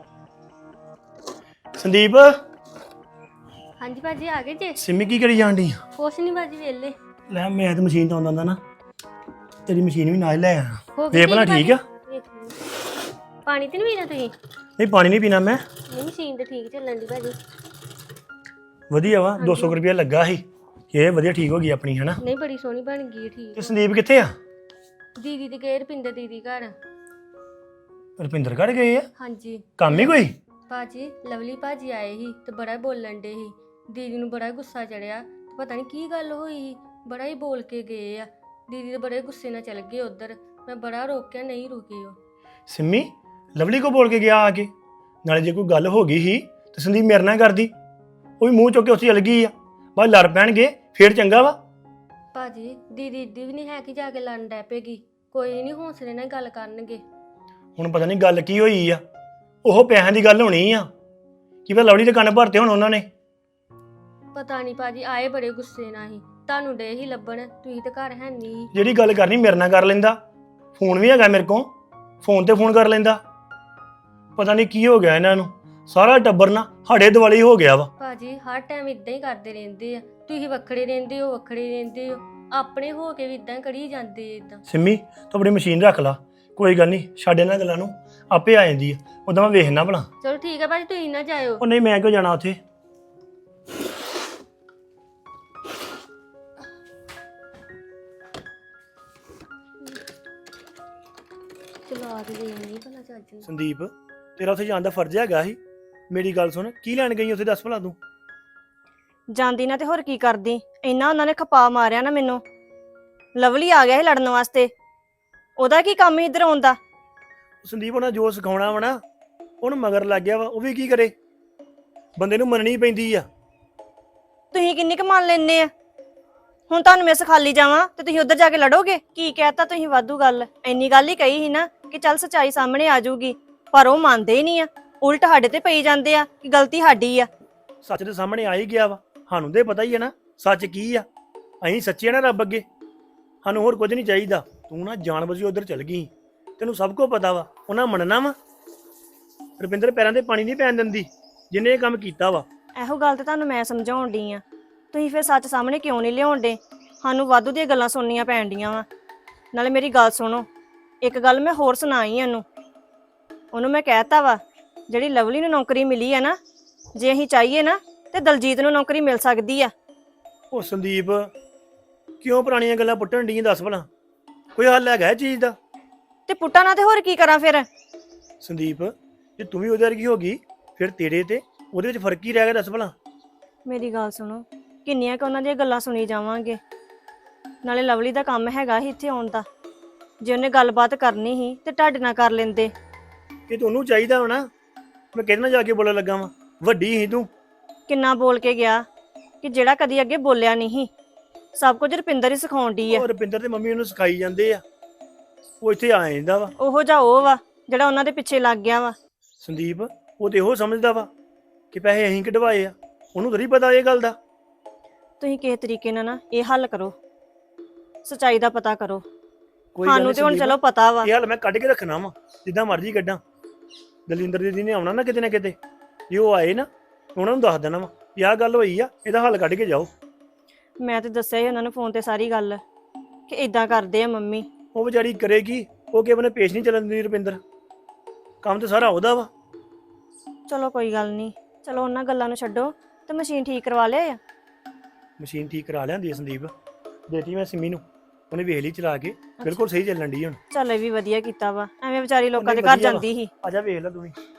ਸੰਦੀਪ,
ਹਾਂਜੀ ਭਾਜੀ ਆ ਗਏ ਜੇ?
ਸਿੰਮੀ ਕੀ ਕਰੀ ਜਾਣ ਡਈ ਆ?
ਕੁਛ ਨਹੀਂ ਭਾਜੀ, ਵੇਲੇ
ਲੈ ਮੈਂ ਤਾਂ ਮਸ਼ੀਨ ਤੋਂ ਆਉਂਦਾ ਨਾ, ਤੇਰੀ ਮਸ਼ੀਨ ਵੀ ਨਾਲ ਲੈ ਆਇਆ।
ਹੋ ਗਈ
ਵੇਖ ਭਲਾ ਠੀਕ ਆ?
ਵੇਖ ਲਓ। ਪਾਣੀ ਤੇ ਨਹੀਂ ਪੀਣਾ ਤੁਸੀਂ?
ਨਹੀਂ ਪਾਣੀ ਨਹੀਂ ਪੀਣਾ ਮੈਂ।
ਨਹੀਂ ਮਸ਼ੀਨ ਤੇ ਠੀਕ ਚੱਲਣ ਦੀ ਭਾਜੀ।
ਵਧੀਆ ਵਾ, 200 ਰੁਪਇਆ ਲੱਗਾ ਸੀ। ਇਹ ਵਧੀਆ ਠੀਕ ਹੋ ਗਈ ਆਪਣੀ, ਹਨਾ?
ਨਹੀਂ ਬੜੀ ਸੋਹਣੀ ਬਣ ਗਈ ਹੈ, ਠੀਕ
ਤੇ ਸੰਦੀਪ ਕਿੱਥੇ ਆ?
ਦੀਦੀ ਦੇ ਗਏ, ਰੁਪਿੰਦਰ ਦੀਦੀ ਘਰ।
ਰੁਪਿੰਦਰ ਘਰ ਗਏ ਆ?
ਹਾਂਜੀ
ਕੰਮ ਹੀ ਕੋਈ?
ਭਾਜੀ ਲਵਲੀ ਭਾਜੀ ਆਏ ਸੀ ਤੇ ਬੜਾ ਬੋਲਣ ਡੇ ਸੀ। ਦੀਦੀ ਨੂੰ ਬੜਾ ਗੁੱਸਾ ਚੜਿਆ ਤੇ ਪਤਾ ਨਹੀਂ ਕੀ ਗੱਲ ਹੋਈ ਸੀ, ਬੜਾ ਹੀ ਬੋਲ ਕੇ ਗਏ ਆ। ਦੀਦੀ ਦੇ ਬੜੇ ਗੁੱਸੇ ਨਾਲ ਚਲ ਗਏ ਉਧਰ। ਮੈਂ ਬੜਾ ਰੋਕਿਆ, ਨਹੀਂ ਰੁਕੇ ਉਹ।
ਸਿੰਮੀ ਲਵਲੀ ਕੋ ਬੋਲ ਕੇ ਗਿਆ ਆ ਕੇ? ਨਾਲੇ ਜੇ ਕੋਈ ਗੱਲ ਹੋ ਗਈ ਸੀ ਤੇ ਸੰਦੀਪ ਮੇਰੇ ਨਾਲ ਕਰਦੀ। ਉਹ ਵੀ ਮੂੰਹ ਚੁੱਕ ਕੇ ਉੱਥੇ ਚਲ ਗਈ ਆ। ਬਸ ਲੜ ਪੈਣਗੇ ਫੇਰ ਚੰਗਾ ਵਾ।
ਭਾਜੀ ਦੀਦੀ ਇੱਡੀ ਵੀ ਨਹੀਂ ਹੈ ਕਿ ਜਾ ਕੇ ਲੜਨ ਡੈ ਪਏਗੀ। ਕੋਈ ਨਹੀਂ, ਹੌਸਲੇ ਨਾਲ ਗੱਲ ਕਰਨਗੇ।
ਹੁਣ ਪਤਾ ਨਹੀਂ ਗੱਲ ਕੀ ਹੋਈ ਆ। ਉਹ ਪੈਸਿਆਂ ਦੀ ਗੱਲ ਹੋਣੀ ਆ ਕਿ ਫਿਰ ਲਵਲੀ ਦੇ ਕੰਨ ਭਰਤੇ ਹੁਣ ਉਹਨਾਂ ਨੇ।
ਪਤਾ ਨਹੀਂ ਭਾਜੀ, ਆਏ ਬੜੇ ਗੁੱਸੇ ਨਾਲ ਹੀ। ਤੁਹਾਨੂੰ ਡੇ ਹੀ ਲੱਭਣ, ਤੁਸੀਂ ਤੇ ਘਰ ਹੈ ਨਹੀਂ।
ਜਿਹੜੀ ਗੱਲ ਕਰਨੀ ਮੇਰੇ ਨਾਲ ਕਰ ਲੈਂਦਾ। ਫੋਨ ਵੀ ਹੈਗਾ ਮੇਰੇ ਕੋਲ, ਫੋਨ ਤੇ ਫੋਨ ਕਰ ਲੈਂਦਾ। ਪਤਾ ਨਹੀਂ ਕੀ ਹੋ ਗਿਆ ਇਹਨਾਂ ਨੂੰ, ਸਾਰਾ ਟੱਬਰ ਨਾ ਸਾਡੇ ਦੁਆਲੇ ਹੋ ਗਿਆ ਵਾ।
ਭਾਜੀ ਹਰ ਟਾਈਮ ਇਦਾਂ ਹੀ ਕਰਦੇ ਰਹਿੰਦੇ ਆ। ਤੁਸੀਂ ਵੱਖਰੇ ਰਹਿੰਦੇ ਹੋ, ਵੱਖਰੇ ਰਹਿੰਦੇ ਹੋ। ਆਪਣੇ ਹੋ ਕੇ ਵੀ ਇਦਾਂ ਕਰੀ ਜਾਂਦੇ ਇਦਾਂ।
ਸਿੰਮੀ ਤੂੰ ਆਪਣੀ ਮਸ਼ੀਨ ਰੱਖ ਲਾ, ਕੋਈ ਗੱਲ ਨਹੀਂ, ਛੱਡ ਇਹਨਾਂ ਗੱਲਾਂ ਨੂੰ, ਆਪੇ ਆ ਜਾਂਦੀ ਆ। ਉਦਾਂ ਮੈਂ ਵੇਖਣਾ ਭਲਾ।
ਚਲੋ ਠੀਕ ਹੈ ਭਾਜੀ, ਤੁਸੀਂ ਨਾ ਜਾਇਓ।
ਉਹ ਨਹੀਂ, ਮੈਂ ਕਿਉਂ ਜਾਣਾ ਉੱਥੇ?
ਚਲੋ ਆ ਕੇ ਨਹੀਂ ਭਲਾ ਚੱਜ ਨਾਲ।
ਸੰਦੀਪ ਤੇਰਾ ਉੱਥੇ ਜਾਣ ਦਾ ਫਰਜ਼ ਹੈਗਾ ਸੀ। ਮੇਰੀ ਗੱਲ ਸੁਣ, ਕੀ ਲੈਣ ਗਈ ਉੱਥੇ, ਦੱਸ ਭਲਾ ਤੂੰ?
ਜਾਂਦੀ ਨਾ ਤੇ ਹੋਰ ਕੀ ਕਰਦੀ? ਇੰਨਾ ਉਹਨਾਂ ਨੇ ਖਪਾ ਮਾਰਿਆ ਨਾ ਮੈਨੂੰ। ਲਵਲੀ ਆ ਗਿਆ ਸੀ ਲੜਨ ਵਾਸਤੇ, ਉਹਦਾ ਕੀ ਕੰਮ ਸੀ ਇੱਧਰ ਆਉਣ ਦਾ?
ਸੰਦੀਪ ਉਹਨਾਂ ਜੋ ਸਿਖਾਉਣਾ ਵਾ ਨਾ, ਉਹਨੂੰ ਮਗਰ ਲੱਗ ਗਿਆ ਵਾ। ਉਹ ਵੀ ਕੀ ਕਰੇ, ਬੰਦੇ ਨੂੰ ਮੰਨਣੀ ਪੈਂਦੀ ਆ।
ਤੁਸੀਂ ਕਿੰਨੀ ਕੁ ਮੰਨ ਲੈਂਦੇ ਆ? ਹੁਣ ਤੁਹਾਨੂੰ ਮੈਂ ਸਿਖਾਲੀ ਜਾਵਾਂ ਤੇ ਤੁਸੀਂ ਉੱਧਰ ਜਾ ਕੇ ਲੜੋਗੇ? ਕੀ ਕਹਿਤਾ ਤੁਸੀਂ? ਵਾਧੂ ਗੱਲ, ਇੰਨੀ ਗੱਲ ਹੀ ਕਹੀ ਸੀ ਨਾ ਕਿ ਚੱਲ ਸੱਚਾਈ ਸਾਹਮਣੇ ਆ ਜਾਊਗੀ, ਪਰ ਉਹ ਮੰਨਦੇ ਹੀ ਨਹੀਂ ਆ। ਉਲਟ ਸਾਡੇ ਤੇ ਪਈ ਜਾਂਦੇ ਆ ਕਿ ਗਲਤੀ ਸਾਡੀ ਆ।
ਸੱਚ ਦੇ ਸਾਹਮਣੇ ਆ ਹੀ ਗਿਆ ਵਾ, ਸਾਨੂੰ ਤੇ ਪਤਾ ਹੀ ਹੈ ਨਾ ਸੱਚ ਕੀ ਆ। ਅਸੀਂ ਸੱਚੇ ਆ ਨਾ ਰੱਬ ਅੱਗੇ, ਸਾਨੂੰ ਹੋਰ ਕੁਝ ਨਹੀਂ ਚਾਹੀਦਾ। ਤੂੰ ਨਾ ਜਾਣ ਬੁੱਝ ਕੇ ਉੱਧਰ ਚਲ ਗਈ, ਤੈਨੂੰ ਸਭ ਕੁਝ ਪਤਾ ਵਾ। ਉਹਨਾਂ ਮੰਨਣਾ ਵਾ? ਰੁਪਿੰਦਰ ਪੈਰਾਂ ਤੇ ਪਾਣੀ ਨਹੀਂ ਪੈਣ ਦਿੰਦੀ ਜਿਹਨੇ ਇਹ ਕੰਮ ਕੀਤਾ ਵਾ।
ਇਹੋ ਗੱਲ ਤੇ ਤੁਹਾਨੂੰ ਮੈਂ ਸਮਝਾਉਣ ਡਈ ਆ, ਤੁਸੀਂ ਫਿਰ ਸੱਚ ਸਾਹਮਣੇ ਕਿਉਂ ਨਹੀਂ ਲਿਆਉਣ ਡੇ? ਸਾਨੂੰ ਵਾਧੂ ਦੀਆਂ ਗੱਲਾਂ ਸੁਣਨੀਆਂ ਪੈਣ ਡੀਆਂ ਵਾ। ਨਾਲੇ ਮੇਰੀ ਗੱਲ ਸੁਣੋ, ਇੱਕ ਗੱਲ ਮੈਂ ਹੋਰ ਸੁਣਾਈ ਉਹਨੂੰ ਮੈਂ ਕਹਿਤਾ ਵਾ, ਜਿਹੜੀ ਲਵਲੀ ਨੂੰ ਨੌਕਰੀ ਮਿਲੀ ਆ ਨਾ, ਜੇ ਅਸੀਂ ਚਾਹੀਏ ਨਾ ਤੇ ਦਲਜੀਤ ਨੂੰ ਨੌਕਰੀ ਮਿਲ ਸਕਦੀ ਆ।
ਉਹ ਸੰਦੀਪ ਕਿਉਂ ਪੁਰਾਣੀਆਂ ਗੱਲਾਂ ਪੁੱਟਣ ਡੀਆਂ, ਦੱਸ ਭਲਾ? ਕੋਈ ਹੱਲ ਹੈਗਾ ਇਹ ਚੀਜ਼ ਦਾ?
ਤੇ ਪੁੱਟਾ ਨਾ ਤੇ ਹੋਰ ਕੀ ਕਰਾਂ ਫਿਰ?
ਸੰਦੀਪ ਜੇ ਤੂੰ ਵੀ ਉਹਦੇ ਵਰਗੀ ਹੋ ਗਈ, ਫਿਰ ਤੇਰੇ ਤੇ ਉਹਦੇ ਵਿੱਚ ਫਰਕ ਹੀ ਰਹਿ ਗਿਆ, ਦੱਸ ਭਲਾ?
ਮੇਰੀ ਗੱਲ ਸੁਣੋ, ਕਿੰਨੀਆਂ ਕੁ ਉਹਨਾਂ ਦੀਆਂ ਗੱਲਾਂ ਸੁਣੀ ਜਾਵਾਂਗੇ? ਨਾਲੇ ਲਵਲੀ ਦਾ ਕੰਮ ਹੈਗਾ ਸੀ ਇੱਥੇ ਆਉਣ ਦਾ। ਜੇ ਉਹਨੇ ਗੱਲਬਾਤ ਕਰਨੀ ਸੀ ਤੇ ਤੁਹਾਡੇ ਨਾਲ ਕਰ ਲੈਂਦੇ।
ਇਹ ਤੁਹਾਨੂੰ ਚਾਹੀਦਾ ਹੋਣਾ। ਮੈਂ ਕਿਹਦੇ ਨਾਲ ਜਾ ਕੇ ਬੋਲਣ ਲੱਗਾ ਵਾਂ? ਵੱਡੀ ਸੀ ਤੂੰ।
ਕਿੰਨਾ ਬੋਲ ਕੇ ਗਿਆ ਕਿ ਜਿਹੜਾ ਕਦੀ ਅੱਗੇ ਬੋਲਿਆ ਨਹੀਂ। ਸਭ ਕੁਝ ਰੁਪਿੰਦਰ ਹੀ ਸਿਖਾਉਣ ਡਈ ਆ।
ਉਹ ਰੁਪਿੰਦਰ ਤੇ ਮੰਮੀ ਉਹਨੂੰ ਸਿਖਾਈ ਜਾਂਦੇ ਆ। ਉਹ ਇੱਥੇ ਆ ਜਾਂਦਾ ਵਾ।
ਉਹੋ ਜਿਹਾ ਉਹ ਵਾ ਜਿਹੜਾ ਉਹਨਾਂ ਦੇ ਪਿੱਛੇ ਲੱਗ ਗਿਆ ਵਾ।
ਸੰਦੀਪ ਉਹ ਤੇ ਇਹੋ ਸਮਝਦਾ ਵਾ ਕਿ ਪੈਸੇ ਅਸੀਂ ਕਢਵਾਏ ਆ, ਉਹਨੂੰ ਤਾਂ ਨਹੀਂ ਪਤਾ ਇਹ ਗੱਲ ਦਾ।
ਤੁਸੀਂ ਕਿਸੇ ਤਰੀਕੇ ਨਾਲ ਨਾ ਇਹ ਹੱਲ ਕਰੋ, ਸਚਾਈ ਦਾ ਪਤਾ ਕਰੋ।
ਕੋਈ ਗੱਲ
ਸਾਨੂੰ
ਨੀ
ਤੇ ਹੁਣ
ਸੰਦੀਪ,
ਚਲੋ ਪਤਾ ਵਾ।
ਇਹ ਹਾਲ ਮੈਂ ਕੱਢ ਕੇ ਰੱਖਣਾ ਵਾ, ਜਿੱਦਾਂ ਮਰਜ਼ੀ ਕੱਢਾਂ। ਦਲਿੰਦਰ ਦੀਦੀ ਨੇ ਆਉਣਾ ਨਾ ਕਿਤੇ ਨਾ ਕਿਤੇ, ਜੇ ਉਹ ਆਏ ਨਾ ਉਹਨਾਂ ਨੂੰ ਦੱਸ ਦੇਣਾ ਵਾ ਵੀ ਆਹ ਗੱਲ ਹੋਈ ਆ, ਇਹਦਾ ਹੱਲ ਕੱਢ ਕੇ ਜਾਓ।
ਮੈਂ ਤੇ ਦੱਸਿਆ ਹੀ ਉਹਨਾਂ ਨੂੰ ਫੋਨ ਤੇ ਸਾਰੀ ਗੱਲ ਕਿ ਇਦਾਂ ਕਰਦੇ ਆ ਮੰਮੀ।
ਉਹ ਵਿਚਾਰੀ ਕਰੇਗੀ, ਉਹ ਕਿਸੇ ਨੇ ਪੇਸ਼ ਨਹੀਂ ਚੱਲਣ ਦਿੰਦੀ ਰੁਪਿੰਦਰ। ਕੰਮ ਤੇ ਸਾਰਾ ਉਹਦਾ ਵਾ।
ਚਲੋ ਕੋਈ ਗੱਲ ਨਹੀਂ, ਚਲੋ ਉਹਨਾਂ ਗੱਲਾਂ ਨੂੰ ਛੱਡੋ ਤੇ ਮਸ਼ੀਨ ਠੀਕ ਕਰਵਾ ਲਿਆ ਆ।
ਮਸ਼ੀਨ ਠੀਕ ਕਰਾ ਲਿਆਂਦੀ ਆ ਸੰਦੀਪ, ਦੇਤੀ ਮੈਂ ਸਿੰਮੀ ਨੂੰ, ਉਹਨੇ ਵੇਖ ਲਈ ਚਲਾ ਕੇ, ਬਿਲਕੁਲ ਸਹੀ ਚੱਲਣ ਦੀ ਹੁਣ।
ਚੱਲ ਇਹ ਵੀ ਵਧੀਆ ਕੀਤਾ ਵਾ, ਐਵੇਂ ਵਿਚਾਰੀ ਲੋਕਾਂ ਦੇ
ਨਹੀਂ,
ਘਰ
ਵਧੀਆ ਵਾ।
ਜਾਂਦੀ ਸੀ।
ਆ ਜਾ ਵੇਖ ਲੈ ਤੂੰ ਵੀ।